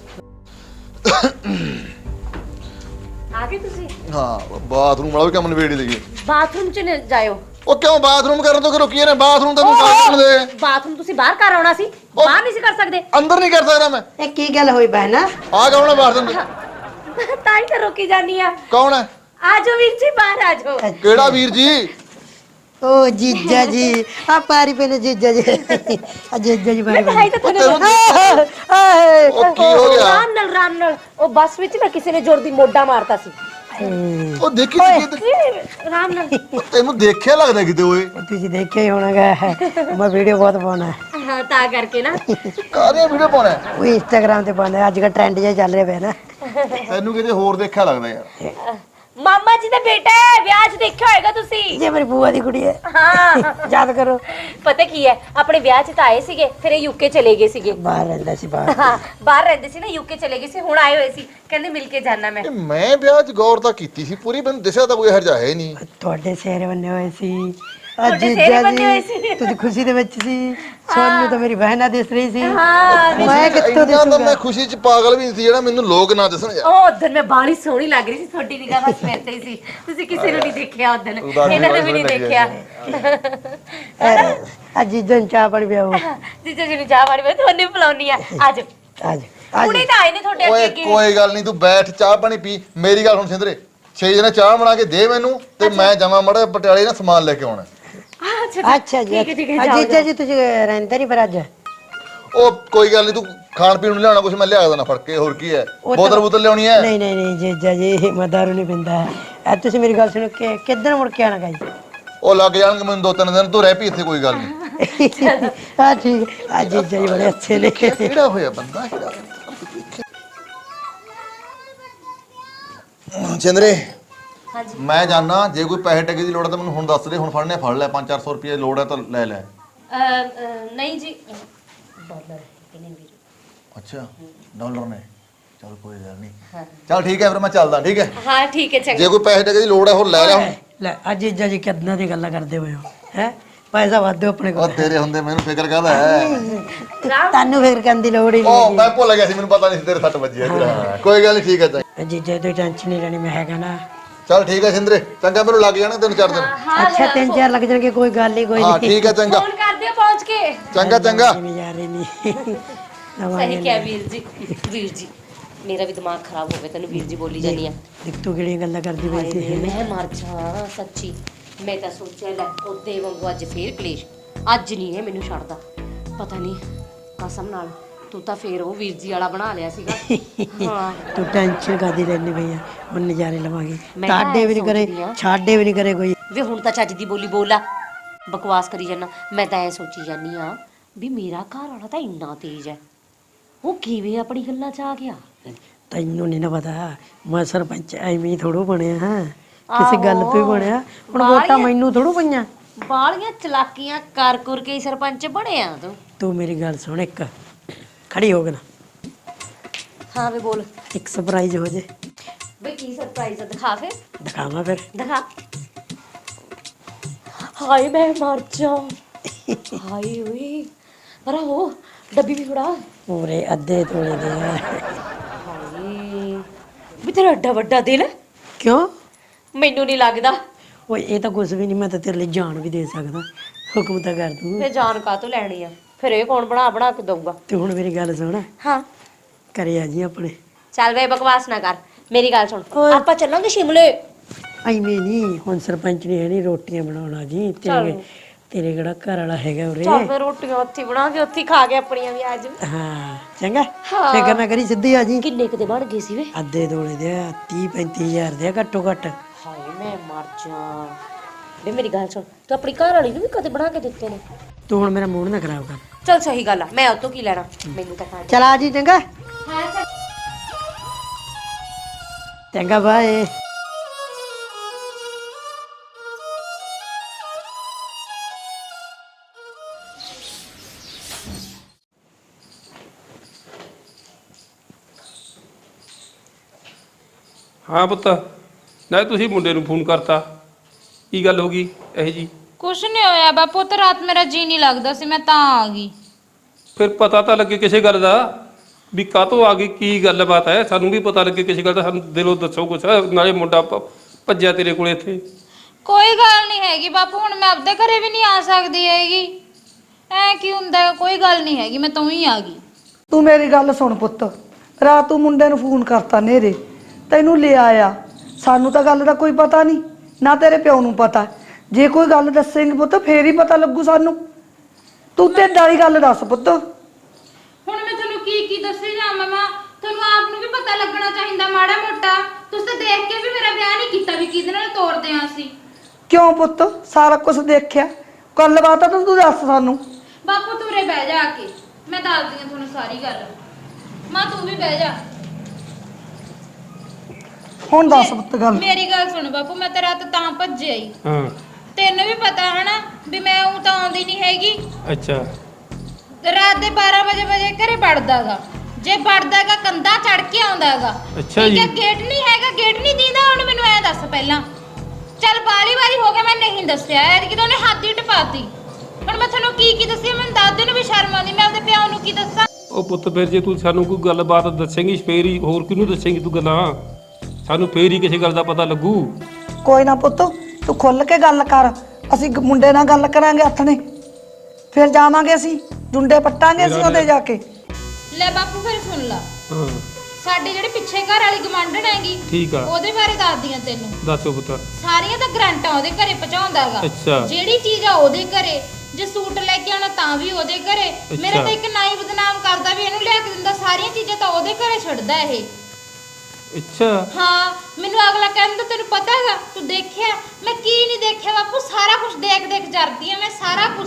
ਆ ਗਏ ਤੁਸੀਂ? ਹਾਂ ਬਾਥਰੂਮ ਵਾਲਾ ਵੀ ਕੰਮ ਨਵੇੜੀ ਲਈਏ। ਬਾਥਰੂਮ 'ਚ ਨਾ ਜਾਇਓ। ਉਹ ਕਿਉਂ ਬਾਥਰੂਮ ਕਰਨ ਤੋਂ ਕਿ ਰੁਕੀਏ ਨੇ? ਬਾਥਰੂਮ ਤਾਂ ਤੂੰ ਬਾਥਰੂਮ ਦੇ ਬਾਥਰੂਮ ਤੁਸੀਂ ਬਾਹਰ ਕਰ ਆਉਣਾ ਸੀ, ਬਾਹਰ ਨਹੀਂ ਸੀ ਕਰ ਸਕਦੇ? ਅੰਦਰ ਨਹੀਂ ਕਰ ਸਕਦਾ ਮੈਂ। ਇਹ ਕੀ ਗੱਲ ਹੋਈ ਬਹਿਨਾ? ਆ ਕੌਣ ਹੈ ਬਾਥਰੂਮ ਦੇ? ਤਾਂ ਹੀ ਤਾਂ ਰੋਕੀ ਜਾਨੀ ਆ। ਕੌਣ ਹੈ? ਆ ਜਾਓ ਵੀਰ ਜੀ, ਬਾਹਰ ਆ ਜਾਓ। ਕਿਹੜਾ ਵੀਰ ਜੀ? ਓ ਜੀਜਾ ਜੀ ਆ ਪਾਰੀ ਪੇ ਨੇ ਜੀਜਾ ਜੀ। ਆ ਜੀਜਾ ਜੀ ਮੈਂ ਬਾਰੀ ਤਾਂ ਹੀ ਤਾਂ ਤੁਹਾਨੂੰ ਆਏ ਉਹ ਕੀ ਹੋ ਗਿਆ? ਰਾਮ ਨਾਲ ਰਾਮ ਨਾਲ ਉਹ ਬੱਸ ਵਿੱਚ ਨਾ ਕਿਸੇ ਨੇ ਜ਼ੋਰ ਦੀ ਮੋਢਾ ਮਾਰਤਾ ਸੀ। ਉਹ ਦੇਖੀ ਕਿਤੇ ਰਾਮ ਨਾਲ। ਤੈਨੂੰ ਦੇਖਿਆ ਲੱਗਦਾ ਕਿਤੇ ਓਏ। ਤੁਸੀਂ ਦੇਖਿਆ ਹੀ ਹੋਣਾਗਾ, ਮੈਂ ਵੀਡੀਓ ਬਹੁਤ ਪਾਉਣਾ ਹੈ। ਹਾਂ ਤਾਂ ਕਰਕੇ ਨਾ। ਕਾਹਦੀਆਂ ਵੀਡੀਓ ਪਾਉਣਾ? ਉਹ ਇੰਸਟਾਗ੍ਰਾਮ ਤੇ ਪਾਉਣਾ, ਅੱਜ ਕੱਲ ਟ੍ਰੈਂਡ ਜਿਹਾ ਚੱਲ ਰਿਹਾ ਪਿਆ ਨਾ। ਤੈਨੂੰ ਕਿਤੇ ਹੋਰ ਦੇਖਿਆ ਲੱਗਦਾ ਯਾਰ। ਮਾਮਾ ਜੀ ਦਾ ਬੇਟਾ ਹੈ, ਵਿਆਹ 'ਚ ਦੇਖਿਆ ਹੋਏਗਾ ਤੁਸੀਂ। ਜੇ ਮੇਰੀ ਬੂਆ ਦੀ ਕੁੜੀ ਹੈ। ਹਾਂ ਯਾਦ ਕਰੋ ਪਤਾ ਕੀ ਹੈ, ਆਪਣੇ ਵਿਆਹ 'ਚ ਤਾਂ ਆਏ ਸੀਗੇ, ਫਿਰ ਇਹ ਯੂਕੇ ਚਲੇ ਗਏ ਸੀਗੇ। ਬਾਹਰ ਰਹਿੰਦਾ ਸੀ ਬਾਹਰ। ਹਾਂ ਬਾਹਰ ਰਹਿੰਦੇ ਸੀ ਨਾ, ਯੂਕੇ ਚਲੇ ਗਏ ਸੀ। ਹੁਣ ਆਏ ਹੋਏ ਸੀ, ਕਹਿੰਦੇ ਮਿਲ ਕੇ ਜਾਣਾ ਮੈਂ। ਇਹ ਮੈਂ ਵਿਆਹ 'ਚ ਗੌਰ ਤਾਂ ਕੀਤੀ ਸੀ ਪੂਰੀ, ਮੈਨੂੰ ਦਿਸਿਆ ਤਾਂ ਕੋਈ ਇਹੋ ਜਿਹਾ ਹੈ ਨਹੀਂ। ਤੁਹਾਡੇ ਸਿਹਰੇ ਬੰਨੇ ਹੋਏ ਸੀ। ਤੁਹਾਡੇ ਅੱਜ ਸਿਹਰੇ ਬੰਨੇ ਹੋਏ ਸੀ। ਤੁਸੀਂ ਖੁਸ਼ੀ ਦੇ ਵਿੱਚ ਸੀ। ਸੋਨੂੰ ਤਾਂ ਮੇਰੀ ਬਹਿਨਾ ਦਿਸ ਰਹੀ ਸੀ। ਹਾਂ ਮੈਂ ਕਿੱਥੋਂ ਇੰਨਾ ਤਾਂ ਦਿਸੂਗਾ? ਮੈਂ ਖੁਸ਼ੀ 'ਚ ਪਾਗਲ ਵੀ ਨਹੀਂ ਸੀ ਜਿਹੜਾ ਮੈਨੂੰ ਲੋਕ ਨਾ ਦੱਸਣ ਯਾਰ। ਉਹ ਉਦੋਂ ਮੈਂ ਬਾਲੀ ਸੋਹਣੀ ਲੱਗ ਰਹੀ ਸੀ, ਤੁਹਾਡੀ ਨਿਗਾਹ ਬਸ ਮੇਰੇ ਤੇ ਹੀ ਸੀ। ਤੁਸੀਂ ਕਿਸੇ ਨੂੰ ਨਹੀਂ ਦੇਖਿਆ ਉਦੋਂ, ਇਹਨਾਂ ਨੇ ਵੀ ਨਹੀਂ ਦੇਖਿਆ। ਅੱਜ ਜੀਜਾ ਨੂੰ ਚਾਹ ਪਾਣੀ ਪਿਆਓ। ਜੀਜਾ ਜੀ ਨੂੰ ਚਾਹ ਪਾਣੀ ਮੈਂ ਤੁਹਾਨੂੰ ਬੁਲਾਉਣੀ ਆ। ਆਜੋ ਅੱਜ ਹੁਣੇ ਤਾਂ ਆਏ ਨੇ ਤੁਹਾਡੇ ਓਏ ਅੱਗੇ ਅੱਗੇ। ਕੋਈ ਗੱਲ ਨਹੀਂ, ਤੂੰ ਬੈਠ ਚਾਹ ਪਾਣੀ ਪੀ। ਮੇਰੀ ਗੱਲ ਹੁਣ ਸਿੰਦਰੇ, ਛੇ ਜਣੇ ਚਾਹ ਬਣਾ ਕੇ ਦੇ ਮੈਨੂੰ ਤੇ ਮੈਂ ਜਾਵਾਂ ਮੜਾ ਪਟਿਆਲੇ ਨਾ ਸਮਾਨ ਲੈ ਕੇ ਆਉਣਾ। ਅੱਛਾ ਜੀ। ਠੀਕ ਹੈ, ਠੀਕ ਹੈ, ਅੱਜ ਜਾਓ, ਜੀਜਾ ਜੀ ਤੁਸੀਂ ਰਹਿੰਦੇ ਨਹੀਂ ਫਿਰ ਅੱਜ? ਉਹ ਕੋਈ ਗੱਲ ਨਹੀਂ, ਤੂੰ ਖਾਣ ਪੀਣ ਨੂੰ ਲਿਆਉਣਾ ਕੁਛ ਮੈਂ ਲਿਆ ਦੇਣਾ ਫੜ ਕੇ, ਹੋਰ ਕੀ ਹੈ? ਉਹ ਤਾਂ- ਬੋਤਲ ਬੋਤਲ ਲਿਆਉਣੀ ਹੈ? ਨਹੀਂ ਨਹੀਂ ਨਹੀਂ ਜੀਜਾ ਜੀ ਮੈਂ ਦਾਰੂ ਨਹੀਂ ਪੀਂਦਾ। ਐ ਤੁਸੀਂ ਮੇਰੀ ਗੱਲ ਸੁਣੋ ਕਿ ਕਿੱਦਣ ਮੁੜ ਕੇ ਆਣਾ ਗਾ ਜੀ? ਉਹ ਲੱਗ ਜਾਣਗੇ ਮੈਨੂੰ ਦੋ ਤਿੰਨ ਦਿਨ, ਤੂੰ ਰਹਿ ਪਈ ਇੱਥੇ ਕੋਈ ਗੱਲ ਨਹੀਂ। ਹਾਂ ਠੀਕ ਆ ਜੀਜਾ ਜੀ ਬੜੇ ਅੱਛੇ ਨੇ। ਕਿਹੜਾ ਹੋਇਆ ਬੰਦਾ ਕਿਹੜਾ? ਚੰਦਰੇ ਹਾਂਜੀ ਮੈਂ ਜਾਣਾ, ਜੇ ਕੋਈ ਪੈਸੇ ਟਕੇ ਦੀ ਲੋੜ ਹੈ ਤਾਂ ਮੈਨੂੰ ਹੁਣ ਦੱਸ ਦੇ। ਹੁਣ ਫੜਨੇ ਫੜ ਲੈ, ਪੰਜ ਚਾਰ ਸੌ ਰੁਪਏ ਲੋੜ ਹੈ ਤਾਂ ਲੈ ਲੈ। ਨਹੀਂ ਜੀ ਡਾਲਰ ਕਿੰਨੇ ਵੀਰ? ਅੱਛਾ ਡਾਲਰ ਨੇ, ਚਲ ਕੋਈ ਗੱਲ ਨਹੀਂ। ਚਲ ਠੀਕ ਹੈ ਫਿਰ ਮੈਂ ਚੱਲਦਾ, ਠੀਕ ਹੈ? ਹਾਂ ਠੀਕ ਹੈ ਚੰਗਾ। ਜੇ ਕੋਈ ਪੈਸੇ ਟਕੇ ਦੀ ਲੋੜ ਹੈ ਹੋਰ ਲੈ ਲੈ ਹੁਣ। ਲੈ ਅੱਜ ਜੀਜਾ ਜੀ ਕਿੱਦਾਂ ਦੀ ਗੱਲਾਂ ਕਰਦੇ ਹੋਏ ਹੋ ਹੈ? ਪੈਸਾ ਵਾਧੂ ਆਪਣੇ ਉਹ ਕੋਲ। ਤੇਰੇ ਹੁੰਦੇ ਮੈਨੂੰ ਫਿਕਰ ਕਾਹਦਾ ਹੈ? ਤੁਹਾਨੂੰ ਫਿਰ ਕਰਨ ਦੀ ਲੋੜ ਹੀ ਉਹ ਨਹੀਂ ਮੈਂ ਭੁੱਲ ਗਿਆ ਸੀ, ਮੈਨੂੰ ਪਤਾ ਨਹੀਂ ਸੀ ਤੇਰੇ ਸੱਟ ਵੱਜੀ ਹੈ। ਹਾਂ ਕੋਈ ਗੱਲ ਨਹੀਂ, ਠੀਕ ਹੈ ਚੰਗਾ। ਹੈਗੀ। ਜੀਜਾ ਦੀ ਟੈਨਸ਼ਨ ਨਹੀਂ ਲੈਣੀ, ਮੈਂ ਹੈਗਾ ਨਾ। ਚਲ ਠੀਕ ਹੈ ਸਿੰਦਰੇ, ਚੰਗਾ ਮੈਨੂੰ ਲੱਗ ਜਾਣਾ ਤਿੰਨ ਚਾਰ ਦਿਨ। ਅੱਛਾ ਤਿੰਨ ਚਾਰ ਲੱਗ ਜਾਣਗੇ, ਕੋਈ ਗੱਲ ਨਹੀਂ ਕੋਈ ਹਾਂ ਨਹੀਂ। ਠੀਕ ਹੈ ਚੰਗਾ। ਫੋਨ ਕਰ ਦਿਓ ਪਹੁੰਚ ਕੇ। ਚੰਗਾ ਚੰਗਾ। ਨਹੀਂ ਜਾ ਰਹੀ ਨਹੀਂ। ਸਹੀ ਕਿਹਾ ਵੀਰ ਜੀ। ਵੀਰ ਜੀ ਮੇਰਾ ਵੀ ਦਿਮਾਗ ਖਰਾਬ ਹੋ ਗਿਆ, ਤੈਨੂੰ ਵੀਰ ਜੀ ਬੋਲੀ ਜਾਨੀ ਆ। ਦੇਖ ਤੂੰ ਕਿਹੜੀਆਂ ਗੱਲਾਂ ਕਰਦੀ ਪਈ ਹਾਏ ਸੀ। ਵੇ, ਮੈਂ ਮਰ ਜਾ ਸੱਚੀ। ਮੈਂ ਤਾਂ ਸੋਚਿਆ ਲੈ ਉਹਦੇ ਵਾਂਗੂ ਅੱਜ ਫੇਰ ਕਲੇਸ਼। ਅੱਜ ਨਹੀਂ ਇਹ ਮੈਨੂੰ ਛੱਡਦਾ, ਪਤਾ ਨਹੀਂ ਕਸਮ ਨਾਲ। ਤੂੰ ਤਾਂ ਫੇਰ ਉਹ ਵੀਰ ਜੀ ਵਾਲਾ ਬਣਾ ਲਿਆ ਸੀਗਾ। ਹਾਂ ਤੂੰ ਟੈਨਸ਼ਨ ਕਾਦੀ ਲੈਣੀ ਪਈ ਆ? ਹੁਣ ਨਜ਼ਾਰੇ ਲਵਾਂਗੇ। ਮੈਂ ਤਾਂ ਤਾਡੇ ਵੀ ਨਹੀਂ ਕਰੇ, ਸੋਚਦੀ ਆ। ਛਾੜੇ ਵੀ ਨਹੀਂ ਕਰੇ ਕੋਈ। ਵੇ ਹੁਣ ਤਾਂ ਚੱਜ ਦੀ ਬੋਲੀ ਬੋਲਾ, ਬਕਵਾਸ ਕਰੀ ਜਾਨਾ। ਮੈਂ ਤਾਂ ਐ ਸੋਚੀ ਜਾਨੀ ਆ ਵੀ ਮੇਰਾ ਘਰ ਵਾਲਾ ਤਾਂ ਇੰਨਾ ਤੇਜ਼ ਹੈ, ਉਹ ਕਿਵੇਂ ਆਪਣੀ ਗੱਲਾਂ 'ਚ ਆ ਗਿਆ? ਤੈਨੂੰ ਨਹੀਂ ਨਾ ਪਤਾ, ਮੈਂ ਸਰਪੰਚ ਐਵੇਂ ਥੋੜੋ ਬਣਿਆ ਹਾਂ, ਕਿਸੇ ਗੱਲ ਤੋਂ ਹੀ ਬਣਿਆ। ਹੁਣ ਵੋਟਾਂ ਮੈਨੂੰ ਥੋੜੋ ਪਈਆਂ। ਬਾਲੀਆਂ ਚਲਾਕੀਆਂ ਕਰ ਕਰ ਕੇ ਸਰਪੰਚ ਬਣਿਆ ਤੂੰ। ਤੂੰ ਮੇਰੀ ਗੱਲ ਸੁਣ, ਇੱਕ ਖੜੀ ਹੋ ਕੇ ਨਾ, ਹਾਂ ਵੇ ਬੋਲ। ਇੱਕ ਸਰਪ੍ਰਾਈਜ਼ ਹੋ ਜੇ। ਬਈ ਕੀ ਸਰਪ੍ਰਾਈਜ਼ ਆ? ਦਿਖਾ ਫਿਰ ਦਿਖਾਵਾਂ ਫਿਰ? ਦਿਖਾ। ਹਾਏ ਮੈਂ ਮਰ ਜਾ। ਹਾਏ ਓਏ ਪਰ ਉਹ ਡੱਬੀ ਵੀ ਫੜਾ। ਪੂਰੇ ਅੱਧੇ ਤੋਲੇ ਦੇ ਆ। ਹਾਏ ਵੀ ਤੇਰਾ ਏਡਾ ਵੱਡਾ ਦਿਲ ਹੈ। ਕਿਉਂ? ਮੈਨੂੰ ਨਹੀਂ ਲੱਗਦਾ। ਓਏ ਇਹ ਤਾਂ ਕੁਝ ਵੀ ਨਹੀਂ, ਮੈਂ ਤਾਂ ਤੇਰੇ ਲਈ ਜਾਨ ਵੀ ਦੇ ਸਕਦਾ। ਹੁਕਮ ਤਾਂ ਕਰ ਤੂੰ। ਫਿਰ ਜਾਨ ਕਾਹਤੋਂ ਲੈਣੀ ਆ? ਫਿਰ ਇਹ ਕੌਣ ਬਣਾ ਬਣਾ ਕੇ ਦਊਗਾ? ਤੇ ਹੁਣ ਮੇਰੀ ਗੱਲ ਸੁਣ, ਹਾਂ ਕਰੇ ਆ ਜੀ ਆਪਣੇ। ਚੱਲ ਵੇ ਬਕਵਾਸ ਨਾ ਕਰ, ਮੇਰੀ ਗੱਲ ਸੁਣ, ਆਪਾਂ ਚੱਲਾਂਗੇ ਸ਼ਿਮਲੇ। ਐਵੇਂ ਨਹੀਂ, ਹੁਣ ਸਰਪੰਚ ਨੇ ਨਹੀਂ ਰੋਟੀਆਂ ਬਣਾਉਣਾ ਜੀ ਤੇਰੇ ਚੱਲ। ਤੇਰੇ ਕਿਹੜਾ ਘਰ ਵਾਲਾ ਹੈਗਾ ਉਰੇ। ਚੱਲ ਫਿਰ ਰੋਟੀਆਂ ਉੱਥੇ ਹੀ ਬਣਾ ਕੇ ਉੱਥੇ ਹੀ ਖਾ ਕੇ ਆਪਣੀਆਂ ਵੀ ਅੱਜ। ਹਾਂ ਚੰਗਾ, ਹਾਂ। ਫਿਕਰ ਨਾ ਕਰੀ, ਸਿੱਧੀ ਆ ਜੀ। ਕਿੰਨੇ ਕੁ ਦੇ ਬਣ ਗਏ ਸੀ ਵੇ? ਅੱਧੇ ਤੋਲੇ ਦੇ ਆ, ਤੀਹ ਪੈਂਤੀ ਹਜ਼ਾਰ ਦੇ ਆ ਘੱਟੋ ਘੱਟ। ਹਾਏ ਮੈਂ ਮਰ ਜਾ। ਵੇ ਮੇਰੀ ਗੱਲ ਸੁਣ, ਤੂੰ ਆਪਣੀ ਘਰ ਵਾਲੀ ਨੂੰ ਵੀ ਕਦੇ ਬਣਾ ਕੇ ਦਿੱਤੇ ਨੇ? ਤੂੰ ਹੁਣ ਮੇਰਾ ਮੂਡ ਨਾ ਖਰਾਬ ਕਰ। ਚੱਲ ਸਹੀ ਗੱਲ ਆ, ਮੈਂ ਉਹ ਤੋਂ ਕੀ ਲੈਣਾ, ਮੈਨੂੰ ਤਾਂ ਖਾ। ਚਲ ਆ ਜੀ, ਚੰਗਾ ਹਾਂ ਚੱਲ। ਚੰਗਾ ਬਾਏ। ਹਾਂ ਪੁੱਤ, ਨਾ ਤੁਸੀਂ ਮੁੰਡੇ ਨੂੰ ਫੋਨ ਕਰਤਾ, ਕੀ ਗੱਲ ਹੋ ਗਈ ਇਹ ਜੀ? ਕੁਛ ਨਹੀਂ ਹੋਇਆ ਬਾਪੂ, ਤੇ ਰਾਤ ਮੇਰਾ ਜੀ ਨਹੀਂ ਲੱਗਦਾ ਸੀ, ਮੈਂ ਤਾਂ ਆ ਗਈ। ਫਿਰ ਪਤਾ ਤਾਂ ਲੱਗੇ ਕਿਸੇ ਗੱਲ ਦਾ ਵੀ ਕਾਹਤੋਂ ਆ ਗਈ, ਕੀ ਗੱਲਬਾਤ ਹੈ, ਸਾਨੂੰ ਵੀ ਪਤਾ ਲੱਗੇ ਕਿਸੇ ਗੱਲ ਦਾ, ਸਾਨੂੰ ਦਿਲੋਂ ਦੱਸੋ ਕੁਛ। ਨਾਲੇ ਮੁੰਡਾ ਭ- ਭੱਜਿਆ ਤੇਰੇ ਕੋਲੇ ਇੱਥੇ। ਕੋਈ ਗੱਲ ਨਹੀਂ ਹੈਗੀ ਬਾਪੂ, ਹੁਣ ਮੈਂ ਆਪਦੇ ਘਰੇ ਵੀ ਨਹੀਂ ਆ ਸਕਦੀ ਹੈਗੀ। ਐ ਕੀ ਹੁੰਦਾ ਹੈ? ਕੋਈ ਗੱਲ ਨਹੀਂ ਹੈਗੀ, ਮੈਂ ਤਾਂ ਹੀ ਆ ਗਈ। ਤੂੰ ਮੇਰੀ ਗੱਲ ਸੁਣ ਪੁੱਤ, ਰਾਤ ਤੂੰ ਮੁੰਡੇ ਨੂੰ ਫੋਨ ਕਰਤਾ ਨੇਰੇ, ਤੈਨੂੰ ਲੈ ਆਇਆ, ਸਾਨੂੰ ਤਾਂ ਗੱਲ ਦਾ ਕੋਈ ਪਤਾ ਨਹੀਂ, ਨਾ ਤੇਰੇ ਪਿਓ ਨੂੰ ਪਤਾ। ਜੇ ਕੋਈ ਗੱਲ ਦੱਸੇਂਗੇ ਪੁੱਤ ਫੇਰ ਹੀ ਪਤਾ ਲੱਗੂ ਸਾਨੂੰ। ਤੂੰ ਤੇ ਵਾਲੀ ਗੱਲ ਦੱਸ ਪੁੱਤ। ਹੁਣ ਮੈਂ ਤੁਹਾਨੂੰ ਕੀ ਕੀ ਦੱਸੀ ਜਾ ਮਮਾ, ਤੁਹਾਨੂੰ ਆਪ ਨੂੰ ਵੀ ਪਤਾ ਲੱਗਣਾ ਚਾਹੀਦਾ ਮਾੜਾ ਮੋਟਾ। ਤੁਸੀਂ ਤਾਂ ਦੇਖ ਕੇ ਵੀ ਮੇਰਾ ਵਿਆਹ ਨਹੀਂ ਕੀਤਾ ਵੀ ਕਿਹਦੇ ਨਾਲ ਤੋਰਦੇ ਆਂ ਅਸੀਂ। ਕਿਉਂ ਪੁੱਤ, ਸਾਰਾ ਕੁਝ ਦੇਖਿਆ, ਗੱਲਬਾਤ ਤਾਂ ਤੂੰ ਦੱਸ ਸਾਨੂੰ। ਬਾਪੂ ਤੂੰ ਰੇ ਬਹਿ ਜਾ ਆ ਕੇ, ਮੈਂ ਦੱਸਦੀ ਆ ਤੁਹਾਨੂੰ ਸਾਰੀ ਗੱਲ। ਮਾਂ ਤੂੰ ਵੀ ਬਹਿ ਜਾ। ਹੁਣ ਦੱਸ ਪੁੱਤ ਗੱਲ। ਮੇਰੀ ਗੱਲ ਸੁਣ ਬਾਪੂ, ਮੈਂ ਤਾਂ ਰਾਤ ਤਾਂ ਭੱਜਿਆ ਹੀ। ਹਾਂ ਤੈਨੂੰ ਵੀ ਪਤਾ ਹੈ ਨਾ ਵੀ ਮੈਂ ਉਹ ਤਾਂ ਆਉਂਦੀ ਨਹੀਂ ਹੈਗੀ। ਅੱਛਾ। ਤੇ ਰਾਤ ਦੇ ਬਾਰਾਂ ਵਜੇ ਵਜੇ ਘਰੇ ਵੜਦਾਗਾ, ਜੇ ਵੜਦਾਗਾ ਕੰਧਾ ਚੜ ਕੇ ਆਉਂਦਾਗਾ। ਅੱਛਾ ਜੀ। ਗੇਟ ਨਹੀਂ ਹੈਗਾ, ਗੇਟ ਨਹੀਂ ਦੀਦਾ। ਹੁਣ ਮੈਨੂੰ ਐ ਦੱਸ ਪਹਿਲਾਂ, ਚੱਲ ਬਾਲੀ ਵਾਰੀ ਹੋ ਗਿਆ ਮੈਂ ਨਹੀਂ ਦੱਸਿਆ, ਐਤਕੀ ਤਾਂ ਉਹਨੇ ਹੱਦ ਹੀ ਟਪਾਤੀ। ਹੁਣ ਮੈਂ ਤੁਹਾਨੂੰ ਕੀ ਕੀ ਦੱਸਿਆ, ਮੈਨੂੰ ਦਾਦੇ ਨੂੰ ਵੀ ਸ਼ਰਮ ਆਉਂਦੀ, ਮੈਂ ਆਪਦੇ ਪਿਓ ਨੂੰ ਕੀ ਦੱਸਾਂ? ਉਹ ਪੁੱਤ ਫਿਰ ਜੇ ਤੂੰ ਸਾਨੂੰ ਕੋਈ ਗੱਲਬਾਤ ਦੱਸੇਂਗੀ ਫੇਰ ਹੀ, ਹੋਰ ਕਿਹਨੂੰ ਦੱਸੇਂਗੀ ਤੂੰ ਗੱਲਾਂ? ਸਾਨੂੰ ਫੇਰ ਹੀ ਕਿਸੇ ਗੱਲ ਦਾ ਪਤਾ ਲੱਗੂ। ਕੋਈ ਨਾ ਪੁੱਤ, ਤੂੰ ਖੁੱਲ ਕੇ ਗੱਲ ਕਰ, ਅਸੀਂ ਗ- ਮੁੰਡੇ ਨਾਲ ਗੱਲ ਕਰਾਂਗੇ ਹੱਥ ਨੇ, ਫਿਰ ਜਾਵਾਂਗੇ ਅਸੀਂ ਜੁੰਡੇ ਪੱਟਾਂਗੇ ਅਸੀਂ ਉਹਦੇ ਜਾ ਕੇ। ਲੈ ਬਾਪੂ ਫਿਰ ਸੁਣ ਲਾ, ਹਾਂ ਸਾਡੇ ਜਿਹੜੇ ਪਿੱਛੇ ਘਰ ਵਾਲੀ ਗਵਾਂਢਣ ਹੈਗੀ, ਠੀਕ ਆ, ਉਹਦੇ ਬਾਰੇ ਦੱਸਦੀ ਆ ਤੈਨੂੰ। ਦੱਸੋ ਪੁੱਤ। ਸਾਰੀਆਂ ਤਾਂ ਗਰੰਟਾਂ ਉਹਦੇ ਘਰੇ ਪਹੁੰਚਾਉਂਦਾਗਾ। ਅੱਛਾ। ਜਿਹੜੀ ਚੀਜ਼ ਆ ਉਹਦੇ ਘਰੇ, ਜੇ ਸੂਟ ਲੈ ਕੇ ਆਉਣਾ ਤਾਂ ਵੀ ਉਹਦੇ ਘਰੇ। ਮੇਰੇ ਤਾਂ ਇੱਕ ਨਾਈ ਬਦਨਾਮ ਕਰਦਾ ਵੀ ਇਹਨੂੰ ਲਿਆ ਕੇ ਦਿੰਦਾ, ਸਾਰੀਆਂ ਚੀਜ਼ਾਂ ਤਾਂ ਉਹਦੇ ਘਰੇ ਛੱਡਦਾ ਇਹ। ਅੱਛਾ। ਹਾਂ, ਮੈਨੂੰ ਅਗਲਾ ਕਹਿੰਦਾ ਤੈਨੂੰ ਪਤਾ ਹੈਗਾ, ਤੂੰ ਦੇਖਿਆ? ਮੈਂ ਕੀ ਨਹੀਂ ਦੇਖਿਆ ਬਾਪੂ, ਸਾਰਾ ਕੁਝ ਦੇਖ ਦੇਖ ਜਰਦੀ ਆ ਮੈਂ, ਸਾਰਾ ਕੁਝ।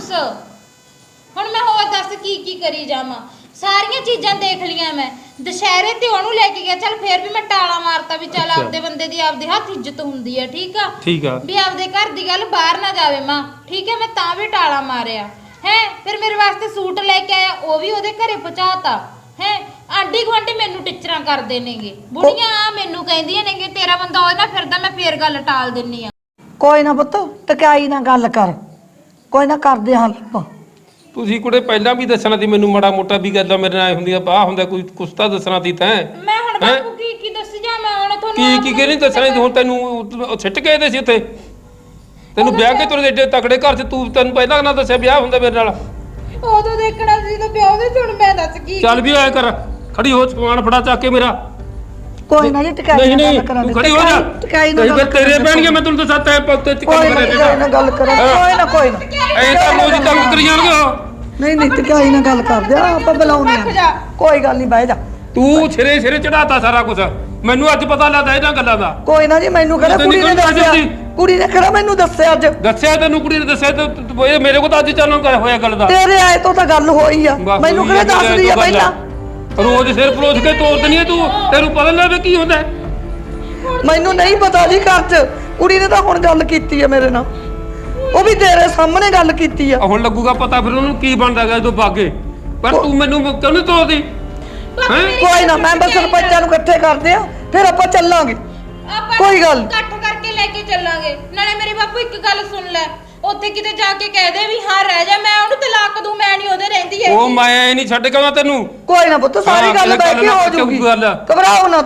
ਹੁਣ ਮੈਂ ਹੋਰ ਦੱਸ ਕੀ ਕੀ ਕਰੀ ਜਾਵਾਂ? ਸਾਰੀਆਂ ਚੀਜ਼ਾਂ ਦੇਖ ਲੀਆਂ ਮੈਂ। ਦੁਸ਼ਹਿਰੇ ਤੇ ਉਹਨੂੰ ਲੈ ਕੇ ਗਿਆ, ਚੱਲ ਫੇਰ ਵੀ ਮੈਂ ਟਾਲਾ ਮਾਰਤਾ ਵੀ ਚੱਲ ਅੱਛਾ। ਆਪਦੇ ਬੰਦੇ ਦੀ ਆਪਦੇ ਹੱਥ ਇੱਜ਼ਤ ਹੁੰਦੀ ਹੈ, ਠੀਕ ਆ? ਠੀਕ ਆ। ਵੀ ਆਪਦੇ ਘਰ ਦੀ ਗੱਲ ਬਾਹਰ ਨਾ ਜਾਵੇ ਮਾਂ, ਠੀਕ ਹੈ? ਮੈਂ ਤਾਂ ਵੀ ਟਾਲਾ ਮਾਰਿਆ ਹੈ। ਫਿਰ ਮੇਰੇ ਵਾਸਤੇ ਸੂਟ ਲੈ ਕੇ ਆਇਆ, ਉਹ ਵੀ ਉਹਦੇ ਘਰੇ ਪਹੁੰਚਾਤਾ ਹੈ। ਆਂਢੀ ਗੁਆਂਢੀ ਮੈਨੂੰ ਟਿਚਰਾਂ ਕਰਦੇ ਨੇਗੇ, ਬੁੜੀਆਂ ਆ ਮੈਨੂੰ ਕਹਿੰਦੀਆਂ ਨੇਗੇ ਤੇਰਾ ਬੰਦਾ ਉਹਦੇ ਨਾਲ ਫਿਰਦਾ, ਮੈਂ ਫੇਰ ਗੱਲ ਟਾਲ ਦਿੰਨੀ ਆ। ਕੋਈ ਨਾ ਪੁੱਤ, ਟਕਾਈ ਨਾ ਗੱਲ ਕਰ, ਕੋਈ ਨਾ ਕਰਦੇ ਹਾਂ ਆਪਾਂ। ਤੁਸੀਂ ਕੁੜੇ ਪਹਿਲਾਂ ਵੀ ਦੱਸਣਾ ਸੀ ਮੈਨੂੰ ਮਾੜਾ ਮੋਟਾ ਵੀ ਗੱਲਾਂ ਮੇਰੇ ਨਾਲ ਹੁੰਦੀਆਂ, ਆਹ ਹੁੰਦਾ ਕੋਈ ਕੁਛ ਤਾਂ ਦੱਸਣਾ ਸੀ ਤੈਂ। ਮੈਂ ਹੁਣ ਬਾਪੂ ਕੀ ਕੀ ਦੱਸੀ ਜਾ, ਮੈਂ ਹੁਣ ਤੁਹਾਨੂੰ ਕੀ ਆਪ ਕੀ ਨੂੰ ਕਿ ਨਹੀਂ ਦੱਸਣਾ ਸੀ ਹੁਣ ਤੈਨੂੰ? ਉਹ ਛਿੱਟ ਕੇ ਦੇ ਸੀ ਉੱਥੇ ਤੈਨੂੰ ਵਿਆਹ ਕੇ ਤੁਰੇ ਏਡੇ ਤਕੜੇ ਘਰ 'ਚ, ਤੂੰ ਤੈਨੂੰ ਪਹਿਲਾਂ ਨਾ ਦੱਸਿਆ ਵਿਆਹ ਹੁੰਦਾ ਮੇਰੇ ਨਾਲ? ਉਦੋਂ ਦੇਖਣਾ ਸੀ ਤਾਂ ਪਿਓ ਦੇ ਹੁਣ ਮੈਂ ਦੱਸ ਕੀ। ਚੱਲ ਵੀ ਆਇਆ ਕਰ, ਖੜੀ ਹੋ, ਸਮਾਨ ਫੜਾ ਚੱਕ ਕੇ ਮੇਰਾ। ਕੋਈ ਨਾ ਜੀ, ਟਕਾਈ ਨਹੀਂ ਨਾਲ ਨਹੀਂ ਗੱਲ ਕਰਾਂਗੇ। ਤੂੰ ਖੜੀ ਹੋ ਜਾ, ਟਕਾਈ ਨਾਲ ਨਹੀਂ ਗੱਲ ਫਿਰ ਤੇਰੇ ਪੈਣਗੇ, ਮੈਂ ਤੈਨੂੰ ਦੱਸਾਂ ਤੈਂ ਪੁੱਤ ਚ ਕੋਈ ਕੰਮ ਨਾ ਕਰੇ ਟਕਾਈ ਨਾਲ ਗੱਲ ਕਰਾਂਗੇ, ਕੋਈ ਨਾ ਕੋਈ ਨਾ। ਐਂ ਤਾਂ ਰੋਜ਼ ਤੰਗ ਕਰੀ ਜਾਣਗੇ ਉਹ। ਨਹੀਂ ਨਹੀਂ, ਟਕਾਈ ਨਾਲ ਗੱਲ ਕਰਦੇ ਆ ਆਪਾਂ, ਬੁਲਾਉਣੇ ਆ। ਕੋਈ ਗੱਲ ਨਹੀਂ, ਬਹਿ ਜਾ। ਤੂੰ ਸਿਰੇ ਸਿਰੇ ਚੜਾਤਾ ਸਾਰਾ ਕੁਝ, ਮੈਨੂੰ ਅੱਜ ਪਤਾ ਲੱਗਦਾ ਇਹਨਾਂ ਗੱਲਾਂ ਦਾ। ਕੋਈ ਨਾ ਜੀ, ਮੈਨੂੰ ਕਿਹੜਾ ਤੈਨੂੰ ਕੁੜੀ ਨੇ ਕਿਹੜੀ ਦੱਸਿਆ, ਦੱਸੀ? ਕੁੜੀ ਨੇ ਕਿਹੜਾ ਮੈਨੂੰ ਦੱਸਿਆ ਅੱਜ? ਦੱਸਿਆ ਤੈਨੂੰ ਕੁੜੀ ਨੇ ਦੱਸਿਆ ਤੇ ਤੂੰ- ਇਹ ਮੇਰੇ ਕੋਲ ਤਾਂ ਅੱਜ ਚਾਲਾਂ ਕਰ ਹੋਇਆ ਗੱਲ ਦਾ। ਤੇਰੇ ਆਏ ਤੋਂ ਤਾਂ ਗੱਲ ਹੋਈ ਆ, ਬਸ ਮੈਨੂੰ ਉਹੀ ਕਿਹੜਾ ਗੱਲ ਹੈ, ਦੱਸਦੀ ਆ ਤੂੰ ਗੱਲ ਪਹਿਲਾਂ? ਰੋਜ਼ ਸਿਰ ਪਰੋਸ ਕੇ ਤੋੜ ਦਨੀ ਤੂੰ, ਤੈਨੂੰ ਪਤਾ ਨਾ ਵੀ ਕੀ ਹੁੰਦਾ ਹੈ? ਮੈਨੂੰ ਨਹੀਂ ਪਤਾ ਜੀ, ਘਰ 'ਚ ਕੁੜੀ ਨੇ ਤਾਂ ਹੁਣ ਗੱਲ ਕੀਤੀ ਆ ਮੇਰੇ ਨਾਲ, ਉਹ ਵੀ ਤੇਰੇ ਸਾਹਮਣੇ ਗੱਲ ਕੀਤੀ ਆ। ਆਹ ਹੁਣ ਲੱਗੂਗਾ ਪਤਾ ਫਿਰ ਉਹਨੂੰ ਕੀ ਬਣਦਾ ਗਿਆ ਜਦੋਂ ਬਾਗੇ, ਪਰ ਤੂੰ ਮੈਨੂੰ ਕਿਉਂ ਨਹੀਂ ਤੋੜਦੀ? ਹੈਂ? ਕੋਈ ਨਾ, ਮੈਂ ਬਸ ਸਰਪੰਚਾਂ ਨੂੰ ਇਕੱਠੇ ਕਰਦੇ ਆ, ਫਿਰ ਆਪਾਂ ਚੱਲਾਂਗੇ। ਆਪਾਂ ਕੋਈ ਗੱਲ ਨੀ। ਇਕੱਠ ਕਰਕੇ ਲੈ ਕੇ ਚੱਲਾਂਗੇ। ਨਾਲੇ ਮੇਰੇ ਬਾਪੂ ਇੱਕ ਗੱਲ ਸੁਣ ਲੈ, ਉੱਥੇ ਕਿਤੇ ਜਾ ਕੇ ਕਹਿ ਦੇ ਵੀ ਹਾਂ ਰਹਿ ਜਾ, ਮੈਂ ਉਹਨੂੰ ਤਲਾਕ ਦੂੰ, ਮੈਂ ਨਹੀਂ ਉਹਦੇ ਰਹਿੰਦੀ ਉਹ ਹੈਗੀ। ਮੈਂ ਨਹੀਂ ਛੱਡ ਕੇ ਆਉਣਾ ਤੈਨੂੰ। ਕੋਈ ਨਾ ਪੁੱਤ, ਸਾਰੀ ਹਾਂ, ਗੱਲ ਇਹ ਬਹਿ ਗੱਲ ਕੇ ਨਾ ਹੋ ਕਿਉਂ ਜਾਊਗੀ, ਗੱਲ ਆ? ਘਬਰਾਓ ਨਾ ਤੁਸੀਂ।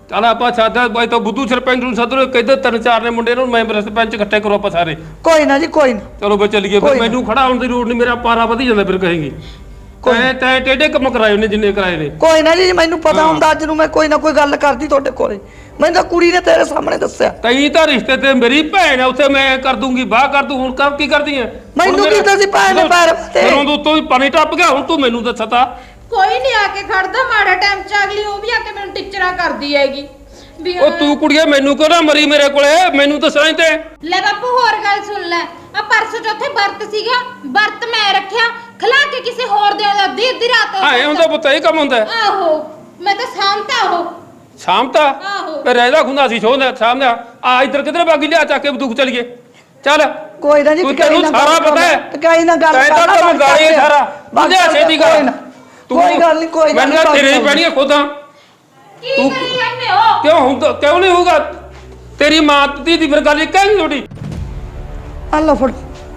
ਚੱਲ ਆਪਾਂ ਸਾਦਾ ਬਾਈ ਤਾਂ ਬੁੱਧੂ ਸਰਪੰਚ ਨੂੰ ਸੱਦ ਲਓ ਕਹਿੰਦੇ ਤਿੰਨ ਚਾਰ ਨੇ ਮੁੰਡੇ ਨੂੰ ਮੈਂ ਸਰਪੰਚ ਇਕੱਠੇ ਕਰੋ ਆਪਾਂ ਸਾਰੇ ਕੋਈ ਨਾ ਜੀ ਕੋਈ ਨਾ ਚਲੋ ਬਈ ਚੱਲੀਏ ਫਿਰ ਮੈਨੂੰ ਖੜਾ ਹੋਣ ਦੀ ਲੋੜ ਨਹੀਂ ਮੇਰਾ ਪਾਰਾ ਵਧੀ ਜਾਂਦਾ ਫਿਰ ਕਹੇਗੀ ਤੈਂ ਤੈਂ ਟੇਡੇ ਕੰਮ ਕਰਾਏ ਨੇ ਜਿੰਨੇ ਕਰਾਏ ਨੇ ਕੋਈ ਨਾ ਜੀ ਮੈਨੂੰ ਪਤਾ ਹੁੰਦਾ ਅੱਜ ਨੂੰ ਮੈਂ ਕੋਈ ਨਾ ਕੋਈ ਗੱਲ ਕਰਦੀ ਤੁਹਾਡੇ ਕੋਲੇ ਮੈਨੂੰ ਤਾਂ ਕੁੜੀ ਨੇ ਤੇਰੇ ਸਾਹਮਣੇ ਦੱਸਿਆ ਕਈ ਤਾਂ ਰਿਸ਼ਤੇ ਤੇ ਮੇਰੀ ਭੈਣ ਆ ਉੱਥੇ ਮੈਂ ਕਰ ਦੂੰਗੀ ਬਾਹ ਕਰ ਦੂੰ ਹੁਣ ਕੰਮ ਕੀ ਕਰਦੀ ਐ ਮੈਨੂੰ ਕੀ ਦੱਸੀ ਭੈਣ ਨੇ ਪੈਰ ਤੇ ਜਦੋਂ ਤੋਂ ਉੱਤੋਂ ਹੀ ਪਾਣੀ ਟੱਪ ਗਿਆ ਹੁਣ ਤੂੰ ਮੈਨੂੰ ਦੱਸਤਾ ਕੋਈ ਨਹੀਂ ਆ ਕੇ ਖੜਦਾ ਮਾੜਾ ਟਾਈਮ ਚ ਅਗਲੀ ਉਹ ਵੀ ਆ ਕੇ ਮੈਨੂੰ ਟੀਚਰਾਂ ਕਰਦੀ ਹੈਗੀ ਵੀ ਉਹ ਤੂੰ ਕੁੜੀਏ ਮੈਨੂੰ ਕਿਉਂ ਨਾ ਮਰੀ ਮੇਰੇ ਕੋਲੇ ਮੈਨੂੰ ਦੱਸਣਾ ਤੇ ਲੈ ਬਾਪੂ ਹੋਰ ਗੱਲ ਸੁਣ ਲੈ ਆ ਪਰਸੋਂ ਚੌਥੇ ਵਰਤ ਸੀਗਾ ਵਰਤ ਮੈਂ ਰੱਖਿਆ ਖਲਾ ਕੇ ਕਿਸੇ ਹੋਰ ਦੇ ਅੱਧੀ ਅੱਧੀ ਰਾਤ ਹਾਂ ਇਹ ਹੁੰਦਾ ਪੁੱਤ ਇਹ ਕੰਮ ਹੁੰਦਾ ਆਹੋ ਮੈਂ ਤਾਂ ਸਾਂਭਤਾ ਉਹ ਸ਼ਾਮ ਤਾਂ ਆਹੋ ਤੇ ਰਹਿਦਾ ਖੁੰਦਾ ਸੀ ਸ਼ੋਂਦਾ ਸ਼ਾਮ ਦਾ ਆ ਇੱਧਰ ਕਿਧਰ ਬਾਗੀ ਲਿਆ ਚੱਕ ਕੇ ਬੰਦੂਕ ਚਲੀਏ ਚੱਲ ਕੋਈ ਨਾ ਜੀ ਤੂੰ ਟਕਾਈ ਤੈਨੂੰ ਨਾ ਸਾਰਾ ਪਤਾ ਹੈ ਟਕਾਈ ਨਾ ਗੱਲ ਤੈਨੂੰ ਤਾਂ ਤੈਨੂੰ ਗਾਲੀ ਸਾਰਾ ਬੰਦਿਆ ਛੇਤੀ ਕਰ ਕੋਈ ਗੱਲ ਨਹੀਂ ਕੋਈ ਮੈਨੂੰ ਤਾਂ ਤੇਰੇ ਹੀ ਪੈਣੀਆਂ ਖੁਦਾਂ ਕੀ ਕਰੀ ਜਾਂਦੇ ਹੋ ਕਿਉਂ ਹੁੰਦਾ ਕਿਉਂ ਨਹੀਂ ਹੋਊਗਾ ਤੇਰੀ ਮਾਂ ਦੀ ਦੀ ਫਿਰ ਗੱਲ ਕਹਿਣੀ ਤੁਹਾਡੀ ਅੱਲਾ ਫੜ